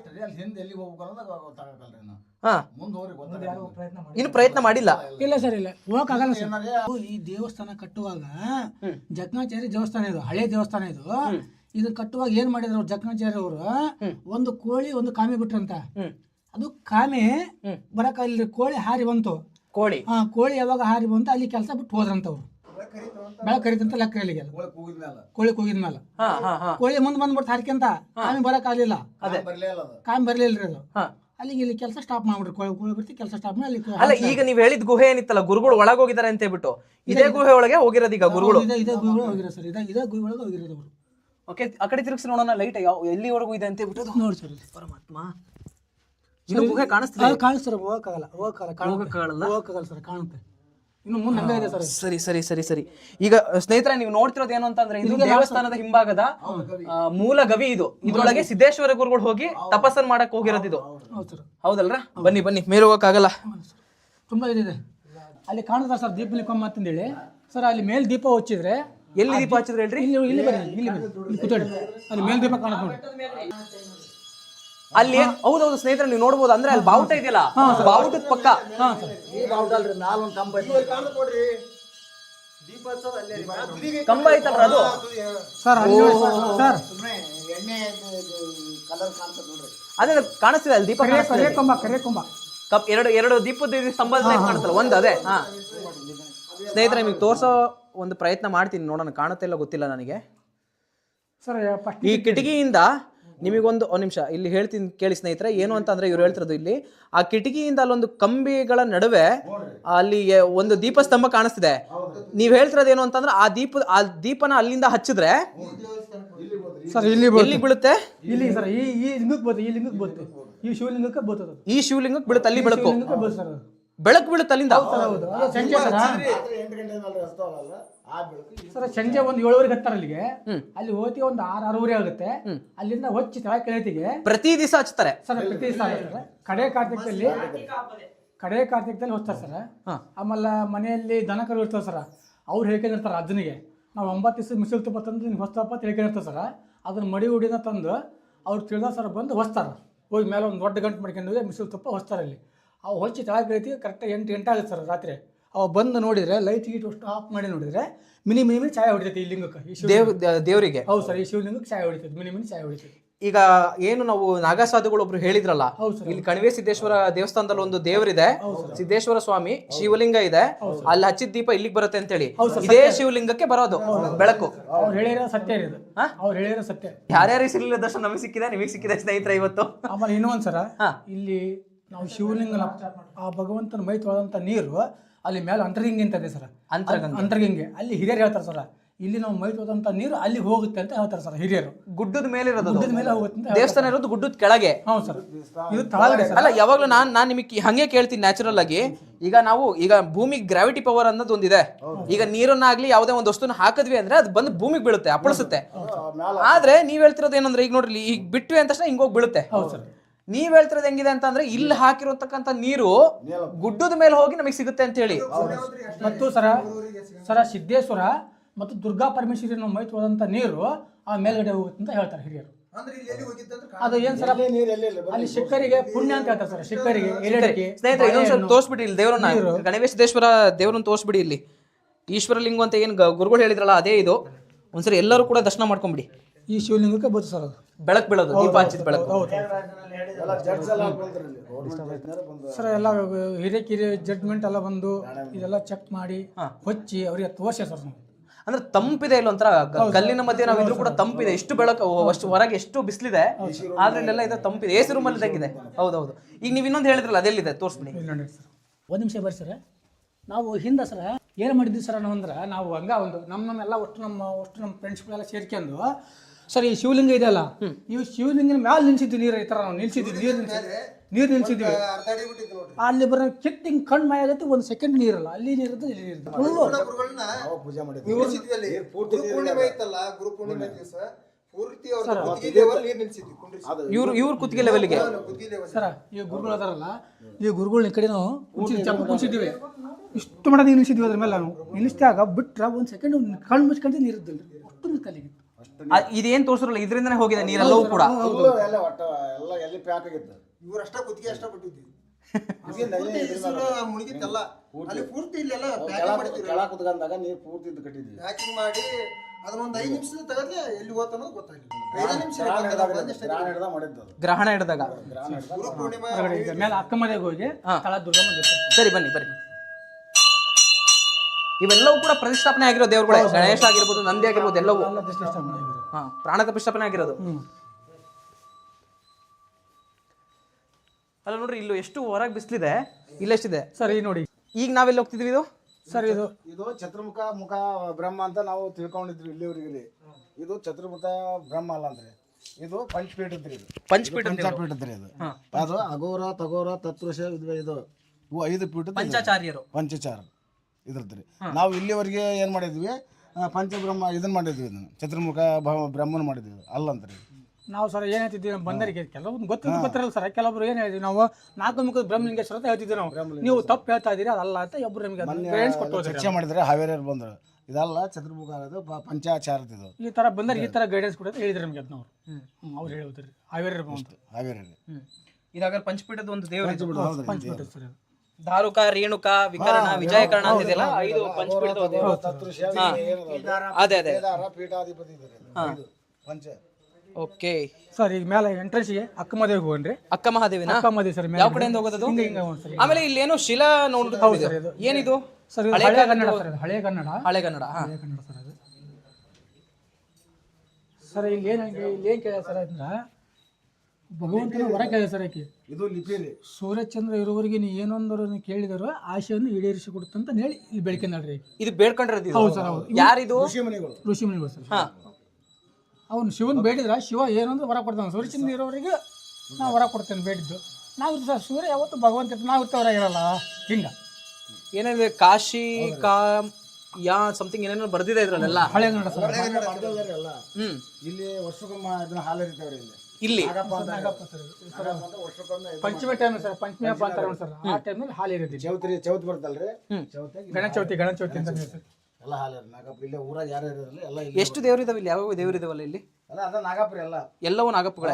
Speaker 1: ಹಾ, ಇನ್ನು ಪ್ರಯತ್ನ ಮಾಡಿಲ್ಲ.
Speaker 2: ಇಲ್ಲ ಸರ್, ಇಲ್ಲ ಹೋಗಕ್ಕಾಗಲ್ಲ ಸರ್. ಈ ದೇವಸ್ಥಾನ ಕಟ್ಟುವಾಗ ಜಗನ್ನಾಚಾರ್ಯ ದೇವಸ್ಥಾನ ಇದು, ಹಳೆ ದೇವಸ್ಥಾನ ಇದು. ಇದು ಕಟ್ಟುವಾಗ ಏನ್ ಮಾಡಿದ್ರು ಅವ್ರು ಜಕ್ಕಣಾಚಾರ್ಯ ಅವರು ಒಂದು ಕೋಳಿ ಒಂದು ಕಾಮೆ ಬಿಟ್ರಂತ. ಅದು ಕಾಮೆ ಬರಕ ಅಲ್ಲಿ ಕೋಳಿ ಹಾರಿ ಬಂತು.
Speaker 1: ಕೋಳಿ
Speaker 2: ಹಾ ಕೋಳಿ ಯಾವಾಗ ಹಾರಿ ಬಂತು ಅಲ್ಲಿ ಕೆಲಸ ಬಿಟ್ಟು ಹೋದ್ರಂತ ಅವ್ರು. ಬೆಳಕ್ ಕರಿತಂತ ಲೆಕ್ಕ ಅಲ್ಲಿಗೆ ಕೋಳಿ ಕೂಗಿದ್ಮೇಲೆ ಕೋಳಿ ಮುಂದ್ ಬಂದ್ಬಿಟ್ಟು ಹಾರ್ಕೊಂತ ಕಾಮೆ ಬರಕ್ ಆಗ್ಲಿಲ್ಲ. ಕಾಮೆ ಬರ್ಲಿಲ್ರಿ ಅದು. ಅಲ್ಲಿಗೆ ಇಲ್ಲಿ ಕೆಲಸ ಸ್ಟಾಪ್ ಮಾಡ್ಬಿಡ್ರಿ. ಕೋಳಿ ಕೋಳಿ ಬರ್ತಿ ಕೆಲಸ ಸ್ಟಾಪ್ ಮಾಡಿ ಅಲ್ಲಿ.
Speaker 1: ಅಲ್ಲ ಈಗ ನೀವ್ ಹೇಳಿದ ಗುಹೆ ಏನಿತ್ತಲ್ಲ ಗುರುಗಳು ಒಳಗೆ ಹೋಗಿದ್ದಾರೆ ಅಂತ ಹೇಳ್ಬಿಟ್ಟು ಇದೇ ಗುಹೆ ಒಳಗೆ ಹೋಗಿರೋದು ಈಗ ಗುರುಗಳು.
Speaker 2: ಇದೇ ಇದೇ ಗುಹೆ ಒಳಗೆ ಹೋಗಿರೋ ಸರ್. ಇದೇ ಇದೇ ಗುಹೆ ಒಳಗೆ ಹೋಗಿರೋದು ಅವರು.
Speaker 1: ಓಕೆ ಆ ಕಡೆ ತಿರುಗಿಸಿ ನೋಡೋಣ ಲೈಟ್ ಯಾವ ಎಲ್ಲಿವರೆಗೂ ಇದೆ ಅಂತ ಹೇಳ್ಬಿಟ್ಟು
Speaker 2: ನೋಡಿ ಸರ್
Speaker 1: ಪರಮಾತ್ಮ. ಇನ್ನು ಗುಹೆ ಕಾಣಿಸ್ತಿದೆ?
Speaker 2: ಕಾಣಿಸ್ತಾರೆ. ಹೋಗಕ್ಕಾಗಲ್ಲ ಹೋಗಕ್ಕಾಗಲ್ಲ ಹೋಗಕ್ಕಾಗಲ್ಲ ಸರ್. ಕಾಣುತ್ತೆ ಇನ್ನು ಮುಂದೆ ಹಂಗ ಇದೆ ಸರ್.
Speaker 1: ಸರಿ ಸರಿ ಸರಿ ಸರಿ ಈಗ ಸ್ನೇಹಿತರೆ ನೀವು ನೋಡ್ತಿರೋದು ಏನು ಅಂತಂದ್ರೆ ಇದು ದೇವಸ್ಥಾನದ ಹಿಂಭಾಗದ ಮೂಲ ಗವಿ. ಇದು ಇದ್ರೊಳಗೆ ಸಿದ್ದೇಶ್ವರ ಗುರುಗಳು ಹೋಗಿ ತಪಸ್ಸನ್ನು ಮಾಡಕ್ ಹೋಗಿರೋದು ಇದು. ಹೌದಲ್ರ? ಬನ್ನಿ ಬನ್ನಿ ಮೇಲೆ ಹೋಗಕ್ಕಾಗಲ್ಲ.
Speaker 2: ತುಂಬಾ ಇದೆ. ಅಲ್ಲಿ ಕಾಣುತ್ತಾ ಸರ್ ದೀಪ ಕೊಂಬ ಅಂತಂದೇಳಿ ಸರ್. ಅಲ್ಲಿ ಮೇಲ್ ದೀಪ ಹಚ್ಚಿದ್ರೆ
Speaker 1: ಎಲ್ಲಿ ದೀಪ ಹಚ್ಚಿದ್ರೆ ಹೇಳ್ರಿ?
Speaker 2: ಇಲ್ಲಿ ಇಲ್ಲಿ ಬನ್ನಿ ಇಲ್ಲಿ ಇಲ್ಲಿ ಕೂತ್ಕೊಳ್ಳಿ. ಅಲ್ಲಿ ಮೇಲ್ ದೀಪ ಕಾಣುತ್ತೆ ನೋಡಿ
Speaker 1: ಅಲ್ಲಿ. ಹೌದೌದು ಸ್ನೇಹಿತರೆ ನೀವು ನೋಡ್ಬೋದು. ಅಂದ್ರೆ ಅಲ್ಲಿ ಬಾವುಟ ಇದೆಯಲ್ಲ, ಬಾವುಟದ ಪಕ್ಕ ಕಂಬ ಐತಲ್ರ ಅದು
Speaker 2: ಸರ್. ಸರ್
Speaker 1: ಅದೇ ಕಾಣಿಸ್ತಿದೆ ಅಲ್ಲಿ ದೀಪ.
Speaker 2: ಕರೆ ಕೊಂಬ ಕರೆ ಕೊಂಬ
Speaker 1: ಕಪ್ ಎರಡು ಎರಡು ದೀಪದ ಸ್ತಂಭದ ಕಾಣಿಸ್ತಲ್ಲ ಒಂದು ಅದೇ. ಹಾ ಸ್ನೇಹಿತರೆ ನಿಮಗೆ ತೋರ್ಸೋ ಒಂದು ಪ್ರಯತ್ನ ಮಾಡ್ತೀನಿ, ನೋಡೋಣ ಕಾಣುತ್ತೆ ಇಲ್ಲ ಗೊತ್ತಿಲ್ಲ ನನಗೆ.
Speaker 2: ಸರ್
Speaker 1: ಈ ಕಿಟಕಿಯಿಂದ ನಿಮಗೊಂದು ಒಂದು ನಿಮಿಷ ಇಲ್ಲಿ ಹೇಳ್ತೀನಿ ಕೇಳಿ ಸ್ನೇಹಿತರೆ. ಏನು ಅಂತ ಅಂದ್ರೆ ಇವ್ರು ಹೇಳ್ತಿರೋದು ಇಲ್ಲಿ ಆ ಕಿಟಕಿಯಿಂದ ಅಲ್ಲೊಂದು ಕಂಬಿಗಳ ನಡುವೆ ಅಲ್ಲಿ ಒಂದು ದೀಪ ಸ್ತಂಭ ಕಾಣಿಸ್ತಿದೆ. ನೀವ್ ಹೇಳ್ತಿರೋದು ಏನು ಅಂತಂದ್ರೆ ಆ ದೀಪ ಆ ದೀಪನ ಅಲ್ಲಿಂದ ಹಚ್ಚಿದ್ರೆ
Speaker 2: ಸರ್ ಇಲ್ಲಿ
Speaker 1: ಎಲ್ಲಿ ಬೀಳುತ್ತೆ?
Speaker 2: ಇಲ್ಲಿ ಸರ್ ಈ ಈ ಲಿಂಗಕ್ಕೆ ಬರುತ್ತೆ. ಈ ಲಿಂಗಕ್ಕೆ ಬರುತ್ತೆ. ಈ ಶಿವಲಿಂಗಕ್ಕೆ ಬರ್ತದೆ.
Speaker 1: ಈ ಶಿವಲಿಂಗಕ್ಕೆ ಬೀಳುತ್ತೆ. ಅಲ್ಲಿ ಬೆಳಕು
Speaker 2: ಸರ್
Speaker 1: ಬೆಳಕು ಬೀಳುತ್ತೆ ಅಲ್ಲಿಂದ.
Speaker 2: ಸಂಜೆ ಸರ್ ಸಂಜೆ ಒಂದು ಏಳುವರೆಗೆ ಹತ್ತಾರ ಅಲ್ಲಿಗೆ. ಅಲ್ಲಿ ಹೋತಿ ಒಂದು ಆರು ಆರೂವರೆ ಆಗುತ್ತೆ. ಅಲ್ಲಿಂದ ಹೊಚ್ಚಿ ತಳ ಕೆಳತಿಗೆ
Speaker 1: ಪ್ರತಿ ದಿವಸ ಹಚ್ತಾರೆ
Speaker 2: ಸರ್. ಪ್ರತಿ ದಿವಸ ಕಡೆ ಕಾರ್ತಿಕದಲ್ಲಿ ಕಡೆ ಕಾರ್ತಿಕದಲ್ಲಿ ಹೊಚ್ತಾರೆ ಸರ್. ಆಮೇಲೆ ಮನೆಯಲ್ಲಿ ದನ ಕರು ಇರ್ತಾವೆ ಸರ್. ಅವ್ರು ಹೇಳ್ಕೊಂಡಿರ್ತಾರೆ ಅಜ್ಜನಿಗೆ ನಾವು ಒಂಬತ್ತು ದಿವಸ ಮಿಸಿಲ್ ತುಪ್ಪ ತಂದು ನಿಮ್ಗೆ ಹೊಸ್ತಪ್ಪ ಅಂತ ಹೇಳ್ಕೊಂಡಿರ್ತಾರೆ ಸರ್. ಅದನ್ನ ಮಡಿ ಹುಡಿನ ತಂದು ಅವ್ರು ತಿಳಿದ ಸರ್ ಬಂದು ಹೊಸ್ತಾರೆ. ಹೋಗಿ ಮೇಲೆ ಒಂದು ದೊಡ್ಡ ಗಂಟು ಮಾಡ್ಕೊಂಡು ಮಿಸಿಲ್ ತುಪ್ಪ ಹೊಸ್ತಾರೆ. ಅಲ್ಲಿ ಅವು ಹೊಚ್ಚಿ ತಳ ಕೆಳತಿ ಕರೆಕ್ಟಾಗಿ ಎಂಟು ಎಂಟಾಗುತ್ತೆ ಸರ್ ರಾತ್ರಿ. ಅವು ಬಂದು ನೋಡಿದ್ರೆ ಲೈಟ್ ಗೀಟ್ ಅಷ್ಟು ಆಫ್ ಮಾಡಿ ನೋಡಿದ್ರೆ ಮಿನಿ ಮಿನಿ ಚಾಯ್ ಹೊಡಿತೈತಿ ಈ ಲಿಂಗಕ್ಕೆ.
Speaker 1: ದೇವ್ ದೇವರಿಗೆ
Speaker 2: ಹೌದು ಸರ್. ಈ ಶಿವಲಿಂಗಕ್ಕೆ ಚಾಯ್ ಹೊಡಿತೈತಿ. ಮಿನಿ ಮಿನಿ ಚಾಯ್ ಹೊಡಿತೈತಿ.
Speaker 1: ಈಗ ಏನು ನಾವು ನಾಗಸಾಧುಗಳು ಒಬ್ರು ಹೇಳಿದ್ರಲ್ಲ, ಇಲ್ಲಿ ಕಣಿವೆ ಸಿದ್ದೇಶ್ವರ ದೇವಸ್ಥಾನದಲ್ಲಿ ಒಂದು ದೇವರಿದೆ, ಸಿದ್ದೇಶ್ವರ ಸ್ವಾಮಿ ಶಿವಲಿಂಗ ಇದೆ. ಅಲ್ಲಿ ಹಚ್ಚಿದ ದೀಪ ಇಲ್ಲಿಗೆ ಬರುತ್ತೆ ಅಂತ ಹೇಳಿ ಇದೇ ಶಿವಲಿಂಗಕ್ಕೆ ಬರೋದು ಬೆಳಕು.
Speaker 2: ಅವ್ರು ಹೇಳಿರೋ ಸತ್ಯ ಇದೆ. ಅವ್ರು ಹೇಳಿರೋ ಸತ್ಯ.
Speaker 1: ಯಾರ್ಯಾರಿಗೆ ಸಿಗಲಿಲ್ಲ ದರ್ಶನ ನಮಗೆ ಸಿಕ್ಕಿದೆ, ನಿಮಗೆ ಸಿಕ್ಕಿದೆ ಸ್ನೇಹಿತರೆ ಇವತ್ತು.
Speaker 2: ಆಮೇಲೆ ಇನ್ನೊಂದ್ಸರ ಇಲ್ಲಿ ನಾವು ಶಿವಲಿಂಗ ಆ ಭಗವಂತನ ಮೈ ತೊಳೆದಂತ ನೀರು ಅಲ್ಲಿ ಮೇಲೆ ಅಂತರ್ಗಂಗೆ ಅಂತ ಇದೆ ಸರ್. ಅಂತರ್ಗಂಗೆ ಅಲ್ಲಿ ಹಿರಿಯರು ಹೇಳ್ತಾರೆ ಸರ್. ಇಲ್ಲಿ ನಾವು ಮೈ ತೊಳೆದಂತ ನೀರು ಅಲ್ಲಿ ಹೋಗುತ್ತೆ ಅಂತ ಹೇಳ್ತಾರೆ ಸರ್ ಹಿರಿಯರು.
Speaker 1: ಗುಡ್ಡದ ಮೇಲೆ ಇರೋದು,
Speaker 2: ಗುಡ್ಡದ ಮೇಲೆ ಹೋಗುತ್ತೆ.
Speaker 1: ದೇವಸ್ಥಾನ ಇರೋದು ಗುಡ್ಡದ ಕೆಳಗೆ.
Speaker 2: ಹೌದು ಸರ್. ಇದು ತಳಗಡೆ
Speaker 1: ಅಲ್ಲ. ಯಾವಾಗ್ಲೂ ನಾನ್ ನಾನ್ ನಿಮಗೆ ಹಂಗೆ ಕೇಳ್ತೀನಿ ನ್ಯಾಚುರಲ್ ಆಗಿ. ಈಗ ನಾವು ಈಗ ಭೂಮಿಗೆ ಗ್ರಾವಿಟಿ ಪವರ್ ಅನ್ನೋದು ಒಂದಿದೆ. ಈಗ ನೀರನ್ನಾಗ್ಲಿ ಯಾವುದೇ ಒಂದು ವಸ್ತುನ ಹಾಕಿದ್ವಿ ಅಂದ್ರೆ ಅದು ಬಂದು ಭೂಮಿಗೆ ಬೀಳುತ್ತೆ, ಅಪ್ಪಳಿಸುತ್ತೆ. ಆದ್ರೆ ನೀವ್ ಹೇಳ್ತಿರೋದು ಏನಂದ್ರೆ ಈಗ ನೋಡ್ರಿ ಈಗ ಬಿಟ್ವಿ ಅಂತ ತಕ್ಷಣ ಹಿಂಗೋಗಿ ಬೀಳುತ್ತೆ.
Speaker 2: ಹೌದು ಸರ್.
Speaker 1: ನೀವ್ ಹೇಳ್ತಿರೋದು ಹೆಂಗಿದೆ ಅಂತ ಅಂದ್ರೆ ಇಲ್ಲಿ ಹಾಕಿರತಕ್ಕಂತ ನೀರು ಗುಡ್ಡದ ಮೇಲೆ ಹೋಗಿ ನಮಗೆ ಸಿಗುತ್ತೆ ಅಂತ ಹೇಳಿ.
Speaker 2: ಮತ್ತು ಸರ ಸರ ಸಿದ್ದೇಶ್ವರ ಮತ್ತು ದುರ್ಗಾ ಪರಮೇಶ್ವರಿ ನಾವು ಮೈ ತೊಳೆದಂತ ನೀರು ಆ ಮೇಲ್ಗಡೆ ಹೋಗುತ್ತೆ ಅಂತ ಹೇಳ್ತಾರೆ ಹಿರಿಯರು. ಅದು ಏನ್ ಸರ್ ಅಲ್ಲಿ ಶಿಕ್ಕರಿಗೆ ಪುಣ್ಯ ಅಂತ ಹೇಳ್ತಾರೆ ಸರ್. ಶಿಕ್ಕರಿಗೆ
Speaker 1: ಸ್ನೇಹಿತರೆ ಇನ್ನೊಂದ್ಸಲ ತೋರಿಸ್ಬಿಡಿ ಇಲ್ಲಿ ದೇವರನ್ನ, ಗಣೇಶ ಸಿದ್ದೇಶ್ವರ ದೇವರನ್ನ ತೋರಿಸ್ಬಿಡಿ. ಇಲ್ಲಿ ಈಶ್ವರ ಲಿಂಗ ಅಂತ ಏನ್ ಗುರುಗಳು ಹೇಳಿದ್ರಲ್ಲ ಅದೇ ಇದು. ಒಂದ್ಸರಿ ಎಲ್ಲರೂ ಕೂಡ ದರ್ಶನ ಮಾಡ್ಕೊಂಡ್ಬಿಡಿ.
Speaker 2: ಈ ಶಿವಲಿಂಗಕ್ಕೆ ಬರುತ್ತೆ ಸರ್. ಅದು
Speaker 1: ಬೆಳಕು ಬೀಳೋದು, ದೀಪ ಹಚ್ಚಿದ ಬೆಳಕು.
Speaker 2: ಸರ್ ಎಲ್ಲ ಹಿರಿಯ ಕಿರಿಯ ಜಡ್ಜ್ಮೆಂಟ್ ಎಲ್ಲ ಬಂದು ಇದೆಲ್ಲ ಚೆಕ್ ಮಾಡಿ ಹೊಚ್ಚಿ ಅವ್ರಿಗೆ ತೋರ್ಸ ಸರ್.
Speaker 1: ಅಂದ್ರೆ ತಂಪಿದೆ ಇಲ್ಲ ಒಂಥರ ಕಲ್ಲಿನ ಮಧ್ಯೆ ನಾವು ಇದ್ರೂ ಕೂಡ ತಂಪಿದೆ. ಎಷ್ಟು ಬೆಳಕು, ಅಷ್ಟು ಹೊರಗೆ ಎಷ್ಟು ಬಿಸಿಲಿದೆ, ಆದ್ರೆ ಇಲ್ಲೆಲ್ಲ ಇದೆ ತಂಪಿದೆ. ಎ ಸಿ ರೂಮ್ ಅಲ್ಲಿ ಇದ್ದಂಗಿದೆ. ಹೌದೌದು. ಈಗ ನೀವು ಇನ್ನೊಂದು ಹೇಳಿದ್ರಲ್ಲ ಅದೆಲ್ಲಿದೆ ತೋರಿಸ್ಬಿಡಿ.
Speaker 2: ಒಂದು ನಿಮಿಷ ಬರ್ರಿ ಸರ್. ನಾವು ಹಿಂದೆ ಸರ ಏನು ಮಾಡಿದ್ವಿ ಸರ್ ನಾವು ಅಂದ್ರೆ ನಾವು ಹಂಗ ಒಂದು ನಮ್ಮ ನಮ್ಮೆಲ್ಲ ಒಟ್ಟು ನಮ್ಮ ಒಟ್ಟು ನಮ್ಮ ಫ್ರೆಂಡ್ಸ್ಗಳೆಲ್ಲ ಸೇರ್ಕೊಂಡು ಸರ್ ಈ ಶಿವಲಿಂಗ ಇದೆಯಲ್ಲ, ಈ ಶಿವಲಿಂಗನ ಮ್ಯಾಲೆ ನಿಲ್ಸಿದ್ವಿ. ನೀರು ಈ ಥರ ನಾವು ನಿಲ್ಸಿದ್ವಿ. ನೀರು ನಿಲ್ಸಿದ್ವಿ ನೀರು ನಿಲ್ಸಿದ್ವಿ ಅಲ್ಲಿ ಬರೋ ಕಿಟ್ಟಿಂಗ್ ಕಣ್ಣು ಮಾಯ ಆಗತ್ತೆ. ಒಂದು ಸೆಕೆಂಡ್ ನೀರಲ್ಲ, ಅಲ್ಲಿ ನೀರಿದ್ದು ಇಲ್ಲಿ ನೀರಿದ್ದು
Speaker 1: ಇವ್ರು ಇವ್ರ ಕುತ್ತಿಗೆ ಲೆವೆಲ್ಗೆ
Speaker 2: ಸರ. ಈ ಗುರುಗಳು ಅದಾರಲ್ಲ, ಈ ಗುರುಗಳನ್ನ ಕಡೆ ನಾವು ಕುಣಿಸಿದ್ವಿ. ಇಷ್ಟು ಮಾಡೋದು ನಿಲ್ಲಿಸಿದ್ವಿ. ಅದ್ರ ಮೇಲೆ ನಾವು ನಿಲ್ಲಿಸಿದಾಗ ಬಿಟ್ರೆ ಒಂದು ಸೆಕೆಂಡ್ ಕಣ್ಣು ಮುಚ್ಕೊಂಡು ನೀರಿದ್ದಿಲ್ಲ. ಅಷ್ಟು ನೀರು ಕಲಿಗೆ
Speaker 1: ಇದೇನ್ ತೋರಿಸ್ರಲ್ಲ ಇದರಿಂದನೇ ಹೋಗಿದೆ ನೀರೆಲ್ಲವೂ ಕೂಡ.
Speaker 4: ಇವರಷ್ಟ ಕುತ್ತಿಗೆ ಅಷ್ಟ ಕೊಟ್ಟಿದ್ವಿ. ಮುಳುಗಿತ್ತಲ್ಲ ಅಲ್ಲಿ ಪೂರ್ತಿ ಇಲ್ಲೆಲ್ಲ ಪ್ಯಾಕಿಂಗ್ ಮಾಡಿ ಅದನ್ನೊಂದು ಐದು ನಿಮಿಷದ ತೆಗೆದ್ರೆ ಎಲ್ಲಿ ಹೋತ ಅನ್ನೋದು ಗೊತ್ತಾಗಿಲ್ಲ. ಐದು ನಿಮಿಷ
Speaker 3: ಗ್ರಹಣ ಹಿಡ್ದಾಗ ಮಾಡಿದ್ದು ಅದು.
Speaker 1: ಗ್ರಹಣ ಹಿಡಿದಾಗ.
Speaker 4: ಗುರು ಪೂರ್ಣಿಮಾ
Speaker 2: ಹೊರಗಡೆ ಇದೆ. ಮೇಲೆ ಅಕ್ಕ ಮನೆಗೆ ಹೋಗಿ ತಳ ದುರ್ಗಮ್ಮ ದೇವಸ್ಥಾನ.
Speaker 1: ಸರಿ ಬನ್ನಿ ಬನ್ನಿ. ಇವೆಲ್ಲವೂ ಕೂಡ ಪ್ರತಿಷ್ಠಾಪನೆ ಆಗಿರೋ ದೇವ್ರುಗಳೇ. ಗಣೇಶ ಆಗಿರ್ಬೋದು, ನಂದಿ ಆಗಿರ್ಬೋದು, ಎಲ್ಲವೂ
Speaker 2: ಪ್ರತಿಷ್ಠಾಪನೆ ಆಗಿರೋದು.
Speaker 1: ಹಾ ಪ್ರಾಣ ಪ್ರತಿಷ್ಠಾಪನೆ ಆಗಿರೋದು.
Speaker 2: ಹ್ಮ್.
Speaker 1: ಅಲ್ಲ ನೋಡ್ರಿ, ಇಲ್ಲೂ ಎಷ್ಟು ಹೊರಗೆ ಬಿಸಿಲಿದೆ, ಇಲ್ಲೆಷ್ಟಿದೆ
Speaker 2: ಸರ್ ಈ ನೋಡಿ
Speaker 1: ಈಗ ನಾವೆಲ್ಲಿ ಹೋಗ್ತಿದ್ವಿ? ಇದು
Speaker 2: ಸರ್ ಇದು
Speaker 3: ಇದು ಚತುರ್ಮುಖ ಮುಖ ಬ್ರಹ್ಮ ಅಂತ ನಾವು ತಿಳ್ಕೊಂಡಿದ್ವಿ ಇಲ್ಲಿವರೆಗೆ. ಇದು ಚತುರ್ಮುಖ ಬ್ರಹ್ಮ ಅಲ್ಲ ಅಂದ್ರೆ ಇದು ಪಂಚಪೀಠದ್ರಿ. ಇದು
Speaker 1: ಪಂಚಪೀಠ
Speaker 3: ಪಂಚಪೀಠದ್ರಿ. ಅದು ಅದು ಅಘೋರ ತಗೋರ ತತ್ವಶ ಇದು ಇದು ಇವು ಐದು ಪೀಠ
Speaker 1: ಪಂಚಾಚಾರ್ಯರು
Speaker 3: ಪಂಚಚಾರ ಇದ್ರದ್ರಿ. ನಾವು ಇಲ್ಲಿವರೆಗೆ ಏನು ಮಾಡಿದ್ವಿ, ಪಂಚಬ್ರಹ್ಮ ಇದನ್ನ ಮಾಡಿದ್ವಿ, ಇದನ್ನು ಚತುರ್ಮುಖ ಬ್ರಹ್ಮನ ಮಾಡಿದ್ವಿ. ಅಲ್ಲಂತ್ರಿ
Speaker 2: ನಾವು ಸರ್ ಏನ್ ಹೇಳ್ತಿದ್ವಿ ನಮ್ಮ ಬಂದರಿಗೆ ಕೆಲವೊಂದು ಗೊತ್ತಿದ್ದು ಗೊತ್ತಿರಲ್ಲ ಸರ್. ಕೆಲವೊಬ್ರು ಏನ್ ಹೇಳ್ತೀವಿ ನಾವು ನಾಲ್ಕು ಮುಖದ ಬ್ರಹ್ಮಲಿಂಗೇಶ್ವರ ಅಂತ ಹೇಳ್ತಿದ್ವಿ ನಾವು. ನೀವು ತಪ್ಪು ಹೇಳ್ತಾ ಇದೀರಿ, ಅದಲ್ಲ ಅಂತ ಒಬ್ರು ನಮಗೆ ಗೈಡೆನ್ಸ್ ಕೊಟ್ಟು ಹೋದ್ರಿ.
Speaker 3: ಚರ್ಚೆ ಮಾಡಿದ್ರೆ ಹಾವೇರಿಯವ್ರು ಬಂದರು, ಇದಲ್ಲ ಚತುರ್ಮುಖ ಅದು ಪಂಚಾಚಾರದ ಇದು.
Speaker 2: ಈ ತರ ಬಂದರಿಗೆ ಈ ತರ ಗೈಡೆನ್ಸ್ ಕೊಟ್ಟು ಹೇಳಿದ್ರು ನಮಗೆ ಅದನ್ನ ಅವ್ರು. ಹ್ಮ್ ಅವ್ರು ಹೇಳಿದ್ರಿ ಹಾವೇರಿ ಅಂತ.
Speaker 3: ಹಾವೇರಿ
Speaker 1: ಇದಾಗ ಪಂಚಪೀಠದ ಒಂದು ದೇವರು
Speaker 2: ಪಂಚಪೀಠ ಸರ್ ಇದು.
Speaker 1: ಧಾರುಕ, ರೇಣುಕ, ವಿಕರಣ, ವಿಜಯಕರಣ ಅಂತಿದೆಯಲ್ಲ, ಐದು ಪಂಚಪೀಠದ ದೇವರು. ಅದೇ ಅದೇ
Speaker 3: ಪೀಠಾಧಿಪತಿ ಪಂಚ.
Speaker 1: ಓಕೆ
Speaker 2: ಸರ್ ಈಗ ಮೇಲೆ ಎಂಟ್ರೆನ್ಸ್ಗೆ ಅಕ್ಕ ಮದುವೆಗೆ ಹೋಗ್ರಿ.
Speaker 1: ಅಕ್ಕ ಮಹಾದೇವಿನ
Speaker 2: ಅಕ್ಕ ಮದುವೆ ಸರ್
Speaker 1: ಯಾವ ಕಡೆಯಿಂದ ಹೋಗೋದು?
Speaker 2: ಹಿಂಗೆ ಹಿಂಗೆ ಹೋಗಿ ಸರ್.
Speaker 1: ಆಮೇಲೆ ಇಲ್ಲಿ ಏನೋ ಶಿಲಾ ನೋಡ್ತಿದ್ದೀವಿ, ಏನಿದು?
Speaker 2: ಸರ್ ಇದು ಹಳೆ ಕನ್ನಡ ಸರ್. ಇದು ಹಳೆ ಕನ್ನಡ.
Speaker 1: ಹಳೆ ಕನ್ನಡ. ಹಾ
Speaker 2: ಹಳೆ ಕನ್ನಡ ಸರ್ ಅದು. ಸರ್ ಇಲ್ಲಿ ಏನು ಇಲ್ಲಿ ಏನು ಕೇಳ ಸರ್ ಅಂದ್ರೆ ಭಗವಂತನ ಹೊರ ಕೇಳ ಸರ್ ಆಕೆ.
Speaker 3: ಇದು ಲಿಪಿ ರೀ.
Speaker 2: ಸೂರ್ಯಚಂದ್ರ ಇರುವವರೆಗೆ ನೀ ಏನೊಂದು ಕೇಳಿದಾರೋ ಆಶೆಯನ್ನು ಈಡೇರಿಸಿ ಕೊಡುತ್ತಂತ ಹೇಳಿ ಇಲ್ಲಿ ಬೆಳಕಿನಾಳ್ರಿ.
Speaker 1: ಇದು ಬೇಡ್ಕೊಂಡಿರೋದು.
Speaker 2: ಹೌದು ಸರ್ ಹೌದು.
Speaker 1: ಯಾರಿದು?
Speaker 3: ಋಷಿಮುನಿಗಳು.
Speaker 2: ಋಷಿಮುನಿಗಳು ಸರ್.
Speaker 1: ಹಾ
Speaker 2: ಅವ್ನು ಶಿವನ್ ಬೇಡಿದ್ರ ಶಿವ ಏನೊಂದು ವರ ಕೊಡ್ತಾನೆ. ಸೂರ್ಯಚಂದ್ರ ಇರೋವರೆಗೆ ನಾವು ವರ ಕೊಡ್ತೇನೆ ಬೇಡಿದ್ದು. ನಾವು ಸರ್ ಸೂರ್ಯ ಯಾವತ್ತು ಭಗವಂತ ಇರ್ತಾನೆ, ನಾವು ಇರ್ತವರ ಇರಲ್ಲ. ಹಿಂಗ
Speaker 1: ಏನಿದೆ ಕಾಶಿ ಕಾ ಯಾ ಸಮಥಿಂಗ್ ಏನೇನೋ ಬರ್ದಿದೆ ಇದ್ರಲ್ಲೆಲ್ಲ.
Speaker 2: ಹಳೆ ಕನ್ನಡ ಸರ್.
Speaker 3: ಎಲ್ಲ
Speaker 1: ಹ್ಮ್
Speaker 3: ಇಲ್ಲಿ ವರ್ಷಕ್ಕೊಮ್ಮ ಇದನ್ನ ಹಾಲು ಇರ್ತಾವ್ರಿ ಇಲ್ಲಿ.
Speaker 1: ಇಲ್ಲಿ
Speaker 3: ನಾಗಪ್ಪ ಅಂತ
Speaker 2: ನಾಗಪ್ಪ ಸರ್. ಸರ್
Speaker 3: ವರ್ಷಕ್ಕೊಮ್ಮೆ ಇದು
Speaker 2: ಪಂಚಮಿ ಟೈಮ್ ಸರ್, ಪಂಚಮಿ ಹಬ್ಬ ಅಂತಾರೆ ಸರ್. ಆ ಟೈಮ್ನಲ್ಲಿ ಹಾಲು ಇರೋದಿಲ್ಲ.
Speaker 3: ಚೌತಿ ಚೌತಿ ಬರ್ತಲ್ರಿ, ಚೌತಿಯಾಗಿ
Speaker 2: ಗಣೇಶ ಚೌತಿ ಗಣೇಶ ಚೌತಿ ಅಂತ ಸರ್.
Speaker 3: ಎಲ್ಲ ಹಾಲು ನಾಗಪ್ಪ. ಇಲ್ಲೇ ಊರಾಗ ಯಾರು ಇರೋದಿಲ್ಲ, ಎಲ್ಲ ಇಲ್ಲಿ.
Speaker 1: ಎಷ್ಟು ದೇವ್ರು ಇದಾವೆ ಇಲ್ಲಿ? ಯಾವ ದೇವ್ರು ಇದಾವಲ್ಲ ಇಲ್ಲಿ?
Speaker 3: ಅಲ್ಲ ಅದ ನಾಗಪ್ಪ ಎಲ್ಲ
Speaker 1: ಎಲ್ಲವೂ ನಾಗಪ್ಪಗಳೇ.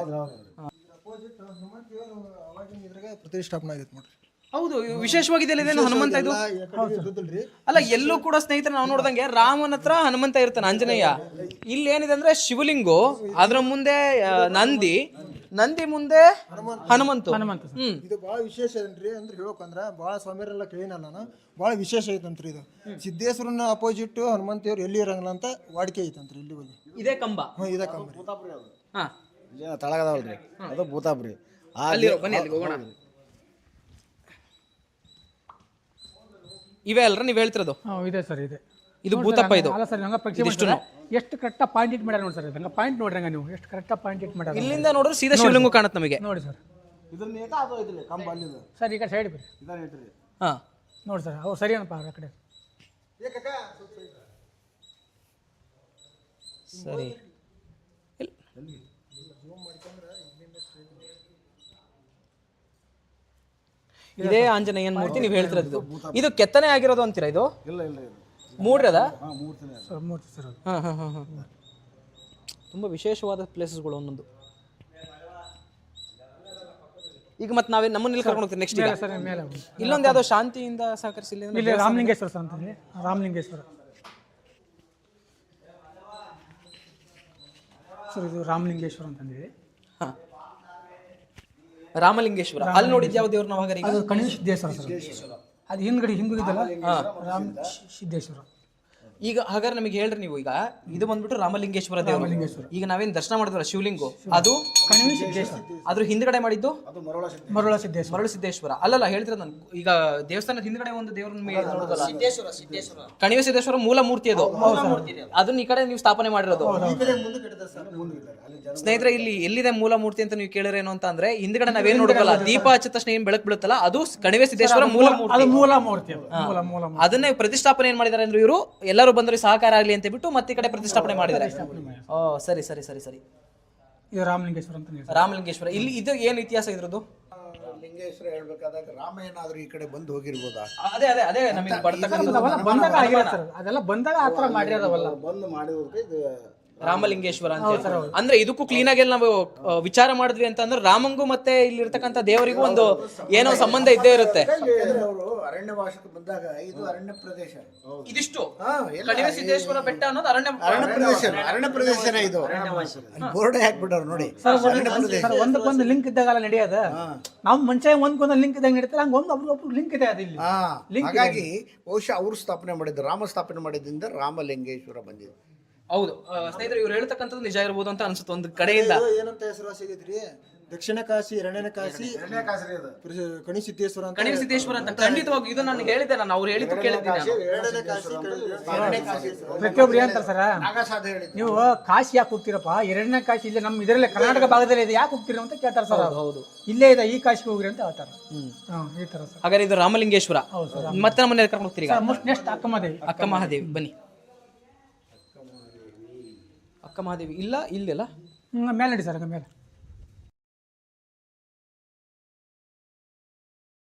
Speaker 4: ಪ್ರತಿಷ್ಠಾಪನೆ ಆಗೈತೆ ನೋಡ್ರಿ.
Speaker 1: ಹೌದು, ವಿಶೇಷವಾಗಿದೆ ಇದೇನು ಹನುಮಂತ ಇದು? ಅಲ್ಲ, ಎಲ್ಲೂ ಕೂಡ ಸ್ನೇಹಿತರೆ ನಾವು ನೋಡ್ದಂಗೆ ರಾಮನ ಹತ್ರ ಹನುಮಂತ ಇರ್ತಾನೆ, ಆಂಜನೇಯ. ಇಲ್ಲಿ ಏನಿದೆ ಅಂದ್ರೆ ಶಿವಲಿಂಗು, ಅದ್ರ ಮುಂದೆ ಆ, ನಂದಿ, ನಂದಿ ಮುಂದೆ ಹನುಮಂತು.
Speaker 2: ಹನುಮಂತ ಸರ್.
Speaker 1: ಹ್ಮ್
Speaker 4: ಇದು ಭಾಳ ವಿಶೇಷ ಏನ್ರಿ ಅಂದ್ರೆ ಹೇಳೋಕಂದ್ರ ಭಾಳ ಸ್ವಾಮಿಯರೆಲ್ಲ ಕೇಳಿನಲ್ಲ ನಾನು. ಭಾಳ ವಿಶೇಷ ಐತಂತ್ರಿ ಇದು. ಸಿದ್ದೇಶ್ವರನ ಅಪೋಸಿಟ್ ಹನುಮಂತಿಯವ್ರು ಎಲ್ಲಿ ಇರಂಗಿಲ್ಲ ಅಂತ ವಾಡಿಕೆ ಐತಂತ್ರಿ ಇಲ್ಲಿ ಹೋಗಿ.
Speaker 1: ಇದೇ ಕಂಬ.
Speaker 4: ಹ್ಞೂ ಇದೇ ಕಂಬರಿ.
Speaker 1: ಹಾ
Speaker 3: ತಳಗದವಲ್ರಿ, ಅದು ಭೂತಾಪ್ರಿ.
Speaker 1: ಅಲ್ಲಿ ಬನ್ನಿ, ಅಲ್ಲಿ ಹೋಗೋಣ. ಇವೇ ಅಲ್ರ ನೀವು ಹೇಳ್ತಿರೋದು?
Speaker 2: ಹಾಂ ಇದೆ ಸರ್ ಇದೆ.
Speaker 1: ಇದು ಭೂತಪ್ಪ. ಇದು
Speaker 2: ಅಲ್ಲ ಸರ್ ಹಂಗ ಪರೀಕ್ಷೆ ಮಾಡ್ತಾರೆ. ಎಷ್ಟು ಕರೆಕ್ಟಾಗಿ ಪಾಯಿಂಟ್ ಇಟ್ ಮಾಡ್ಯಾರ ನೋಡಿ ಸರ್. ಹಂಗ ಪಾಯಿಂಟ್ ನೋಡ್ರಿ, ಹಂಗ ನೀವು ಎಷ್ಟು ಕರೆಕ್ಟಾಗಿ ಪಾಯಿಂಟ್ ಇಟ್ ಮಾಡ್ಯಾರ.
Speaker 1: ಇಲ್ಲಿಂದ ನೋಡಿದ್ರೆ ಸೀದಾ ಶಿವಲಿಂಗ ಕಾಣುತ್ತೆ ನಮಗೆ.
Speaker 2: ನೋಡಿ ಸರ್.
Speaker 3: ಇದನ್ನ ಏಕ ಅದು ಐತ್ರಿ ಕಂಬ ಅಲ್ಲಿದು.
Speaker 2: ಸರ್ ಈ ಕಡೆ ಸೈಡ್ ಬರ್ರಿ.
Speaker 3: ಇದನ್ನ ಐತ್ರಿ.
Speaker 1: ಹಾ
Speaker 2: ನೋಡಿ ಸರ್, ಅವು ಸರಿ ಏನಪ್ಪ ಆ ಕಡೆ.
Speaker 1: ಸರಿ. ಇದೇ ಆಂಜನೇಯನ್ ಮೂರ್ತಿ ನೀವು ಹೇಳ್ತಿರೋದು. ಇದು ಕೆತ್ತನೆ ಆಗಿರೋದು ಅಂತೀರಾ? ಇದು
Speaker 3: ಇಲ್ಲ ಇಲ್ಲ ಇದು
Speaker 1: ಮೂಡ್ರದ
Speaker 3: ಹಾ ಮೂರ್ತಿನೇ ಅದು.
Speaker 2: ಸರ್ ಮೂರ್ತಿ ಸರ್ ಅದು.
Speaker 1: ಹಾಂ ಹಾಂ ಹಾಂ ಹಾಂ ತುಂಬ ವಿಶೇಷವಾದ ಪ್ಲೇಸಸ್ಗಳು ಒಂದೊಂದು. ಈಗ ಮತ್ತೆ ನಾವೇ ನಮ್ಮನ್ನೆಲ್ಲಿ ಕರ್ಕೊಂಡು ಹೋಗ್ತೀವಿ ನೆಕ್ಸ್ಟ್? ಈಗ
Speaker 2: ಮೇಲೆ ಸರ್ ಮೇಲೆ ಹೋಗಿ.
Speaker 1: ಇಲ್ಲೊಂದು ಯಾವುದೋ ಶಾಂತಿಯಿಂದ ಸಹಕರಿಸಿ ಇಲ್ಲಿ
Speaker 2: ಇಲ್ಲಿ ರಾಮಲಿಂಗೇಶ್ವರ ಸರ್ ಅಂತಂದ್ರೆ ರಾಮಲಿಂಗೇಶ್ವರ ಸರ್. ಇದು ರಾಮಲಿಂಗೇಶ್ವರ ಅಂತಂದೇಳಿ.
Speaker 1: ಹಾಂ, ರಾಮಲಿಂಗೇಶ್ವರ. ಅಲ್ಲಿ ನೋಡಿದ್ದು ಯಾವ ದೇವ್ರು ನಾವು? ಹಾಗಾದ್ರೆ
Speaker 2: ಅದು ಕಣಿವೆ ಸಿದ್ದೇಶ್ವರ ಸರ್. ಅದು ಹಿಂದ್ಗಡೆ ಹಿಂದಿದಲ್ಲ ರಾಮ ಸಿದ್ದೇಶ್ವರ.
Speaker 1: ಈಗ ಹಾಗಾದ್ರೆ ನಮಗೆ ಹೇಳ್ರಿ ನೀವು, ಈಗ ಇದು ಬಂದ್ಬಿಟ್ಟು ರಾಮಲಿಂಗೇಶ್ವರ ದೇವರು. ಈಗ ನಾವೇನು ದರ್ಶನ ಮಾಡಿದ್ವಲ್ಲ ಶಿವಲಿಂಗು, ಅದು
Speaker 2: ಕಣಿವೆ ಸಿದ್ದೇಶ್ವರ.
Speaker 1: ಅದ್ರ ಹಿಂದ್ಗಡೆ ಮಾಡಿದ್ದು
Speaker 3: ಅದು ಮರಳ ಸಿದ್ಧ.
Speaker 2: ಮರುಳ ಸಿದ್ದೇಶ್ವರ.
Speaker 1: ಮರಳು ಸಿದ್ದೇಶ್ವರ. ಅಲ್ಲಲ್ಲ ಹೇಳ್ತಿರೋದು ನಾನು. ಈಗ ದೇವಸ್ಥಾನದ ಹಿಂದ್ಗಡೆ ಒಂದು ದೇವ್ರನ್ನ ನೋಡೋದಲ್ಲ, ಕಣಿವೆ ಸಿದ್ದೇಶ್ವರ ಮೂಲ ಮೂರ್ತಿ ಅದು. ಅದನ್ನ ಈ ಕಡೆ ನೀವು ಸ್ಥಾಪನೆ ಮಾಡಿರೋದು. ಸ್ನೇಹಿತರೆ, ಇಲ್ಲಿ ಎಲ್ಲಿದೆ ಮೂಲ ಮೂರ್ತಿ ಅಂತ ನೀವು ಕೇಳಿರೇನು ಅಂತ ಅಂದ್ರೆ, ಹಿಂದ್ಗಡೆ ನಾವೇನ್ ನೋಡೋದಲ್ಲ, ದೀಪ ಹಚ್ಚಿದ ತಕ್ಷಣ ಏನ್ ಬೆಳಕು ಬೀಳುತ್ತಲ್ಲ, ಅದು ಕಣಿವೆ ಸಿದ್ದೇಶ್ವರ ಮೂಲ ಮೂರ್ತಿ.
Speaker 2: ಅದು ಮೂಲ ಮೂರ್ತಿ. ಅದು ಮೂಲ ಮೂಲ ಮೂರ್ತಿ.
Speaker 1: ಅದನ್ನೇ ಪ್ರತಿಷ್ಠಾಪನೆ ಏನ್ ಮಾಡಿದ್ದಾರೆ ಅಂದ್ರೆ ಇವರು ಎಲ್ಲರೂ ಬಂದ್ರೆ ಸಹಕಾರ ಆಗಲಿ ಅಂತ ಬಿಟ್ಟು ಮತ್ತೆ ಈ ಕಡೆ ಪ್ರತಿಷ್ಠಾಪನೆ ಮಾಡಿದ್ದಾರೆ. ಓ ಸರಿ ಸರಿ ಸರಿ ಸರಿ.
Speaker 2: ಇದು ರಾಮಲಿಂಗೇಶ್ವರ ಅಂತ ಹೇಳ್ತಾರೆ.
Speaker 1: ರಾಮಲಿಂಗೇಶ್ವರ. ಇಲ್ಲಿ ಇದು ಏನು ಇತಿಹಾಸ ಇದ್ರದ್ದು?
Speaker 5: ಲಿಂಗೇಶ್ವರ ಹೇಳ್ಬೇಕಾದಾಗ ರಾಮ ಏನಾದ್ರು ಈ ಕಡೆ ಬಂದು ಹೋಗಿರ್ಬೋದಾ?
Speaker 1: ಅದೇ ಅದೇ ಅದೇ ನಮಗೆ ಬರ್ತಕ್ಕಂಥ
Speaker 2: ಅವೆಲ್ಲ ಬಂದಾಗ ಆಗಿಲ್ಲ ಸರ್. ಅದೆಲ್ಲ ಬಂದಾಗ ಆ ಥರ ಮಾಡಿರೋದವಲ್ಲ.
Speaker 3: ಬಂದು ಮಾಡಿರೋದಕ್ಕೆ ಇದು
Speaker 1: ರಾಮಲಿಂಗೇಶ್ವರ ಅಂತ ಹೇಳಿ. ಅಂದ್ರೆ ಇದಕ್ಕೂ ಕ್ಲೀನ್ ಆಗಿ ನಾವು ಆ, ವಿಚಾರ ಮಾಡಿದ್ವಿ ಅಂತ ಅಂದ್ರೆ ರಾಮಂಗೂ ಮತ್ತೆ ಇಲ್ಲಿರ್ತಕ್ಕಂಥ ದೇವರಿಗೂ ಒಂದು ಏನೋ ಸಂಬಂಧ ಇದ್ದೇ ಇರುತ್ತೆ.
Speaker 5: ಯಾಕಂದ್ರೆ ಅವರು ಅರಣ್ಯವಾಸಕ್ಕೆ ಬಂದಾಗ ಇದು ಅರಣ್ಯ ಪ್ರದೇಶ.
Speaker 1: ಇದಿಷ್ಟು
Speaker 5: ಹಾ, ಎಲ್ಲ
Speaker 1: ಕಣಿವೆ ಸಿದ್ದೇಶ್ವರ ಬೆಟ್ಟ ಅನ್ನೋದು ಅರಣ್ಯ
Speaker 5: ಅರಣ್ಯ ಪ್ರದೇಶ ಅರಣ್ಯ ಪ್ರದೇಶನೇ ಇದು. ಬೋರ್ಡ್ ಹಾಕ್ಬಿಟ್ಟವ್ರು ನೋಡಿ. ಅರಣ್ಯ ಪ್ರದೇಶ.
Speaker 2: ಸರ್ ಒಂದಕ್ಕೊಂದು ಲಿಂಕ್ ಇದ್ದಾಗಲ್ಲ ನಡೆಯೋದ. ನಾವು ಮನುಷ್ಯ ಒಂದ್ಕೊಂದು ಲಿಂಕ್ ಇದ್ದಾಗ ನಡೀತಾರೆ, ಹಂಗೆ ಒಂದು ಒಬ್ರು ಲಿಂಕ್ ಇದೆ ಅದು ಇಲ್ಲಿ.
Speaker 5: ಹಾ, ಹಾಗಾಗಿ ಬಹುಶಃ ಅವರು ಸ್ಥಾಪನೆ ಮಾಡಿದ್ದು, ರಾಮ ಸ್ಥಾಪನೆ ಮಾಡಿದ್ರಿಂದ ರಾಮಲಿಂಗೇಶ್ವರ ಬಂದಿದೆ.
Speaker 1: ಹೌದು ಆ, ಸ್ನೇಹಿತರೆ ಇವ್ರು ಹೇಳ್ತಕ್ಕಂಥದ್ದು ನಿಜ ಇರ್ಬೋದು ಅಂತ ಅನ್ಸುತ್ತೆ ಒಂದು ಕಡೆಯಿಂದ.
Speaker 4: ಇದು ಏನಂತ ಹೆಸರುವಾಸಿ ಆಗೈತ್ರಿ, ದಕ್ಷಿಣ ಕಾಶಿ ಎರಡನೇ ಕಾಶಿ ಪ್ರಸಿ- ಕಣಿ ಸಿದ್ದೇಶ್ವರ ಅಂತ.
Speaker 1: ಕಣಿವೆ ಸಿದ್ದೇಶ್ವರ ಅಂತ ಖಂಡಿತವಾಗಿ ಇದು ನಾನು ಹೇಳಿದ್ದೆ, ನಾನು ಅವ್ರು ಹೇಳಿದ್ದು ಕೇಳಿದ್ದೀನಿ ನಾನು.
Speaker 4: ಎರಡನೇ ಕಾಶಿ
Speaker 2: ಪ್ರತಿಯೊಬ್ರು ಏನಂತಾರೆ ಸರ್,
Speaker 5: ನಾಗಸಾಧ ಹೇಳಿದ್ರು.
Speaker 2: ನೀವು ಕಾಶಿ ಯಾಕೆ ಹೋಗ್ತೀರಪ್ಪ, ಎರಡನೇ ಕಾಶಿ ಇಲ್ಲೇ ನಮ್ಮ ಇದರಲ್ಲೇ ಕರ್ನಾಟಕ ಭಾಗದಲ್ಲೇ ಇದೆ, ಯಾಕೆ ಹೋಗ್ತೀರಿ ಅಂತ ಕೇಳ್ತಾರೆ ಸರ್.
Speaker 1: ಹೌದು
Speaker 2: ಇಲ್ಲೇ ಇದೆ, ಈ ಕಾಶಿಗೆ ಹೋಗ್ರಿ ಅಂತ ಹೇಳ್ತಾರೆ. ಹಾಂ, ಈ ಥರ ಸರ್.
Speaker 1: ಹಾಗಾದ್ರೆ ಇದು ರಾಮಲಿಂಗೇಶ್ವರ. ಮತ್ತೆ ನಮ್ಮನ್ನ ಕರ್ಕೊಂಡು ಹೋಗ್ತೀರಿ ಈಗ
Speaker 2: ನೆಕ್ಸ್ಟ್ ಅಕ್ಕಮದೇವಿ.
Speaker 1: ಅಕ್ಕ ಮಹಾದೇವಿ ಬನ್ನಿ. ಅಕ್ಕ ಮಹಾದೇವಿ ಇಲ್ಲ ಇಲ್ಲೆಲ್ಲ
Speaker 2: ಹ್ಮ್, ಮೇಲೆ ನಡಿ ಸರ್, ಹಂಗೆ ಮೇಲೆ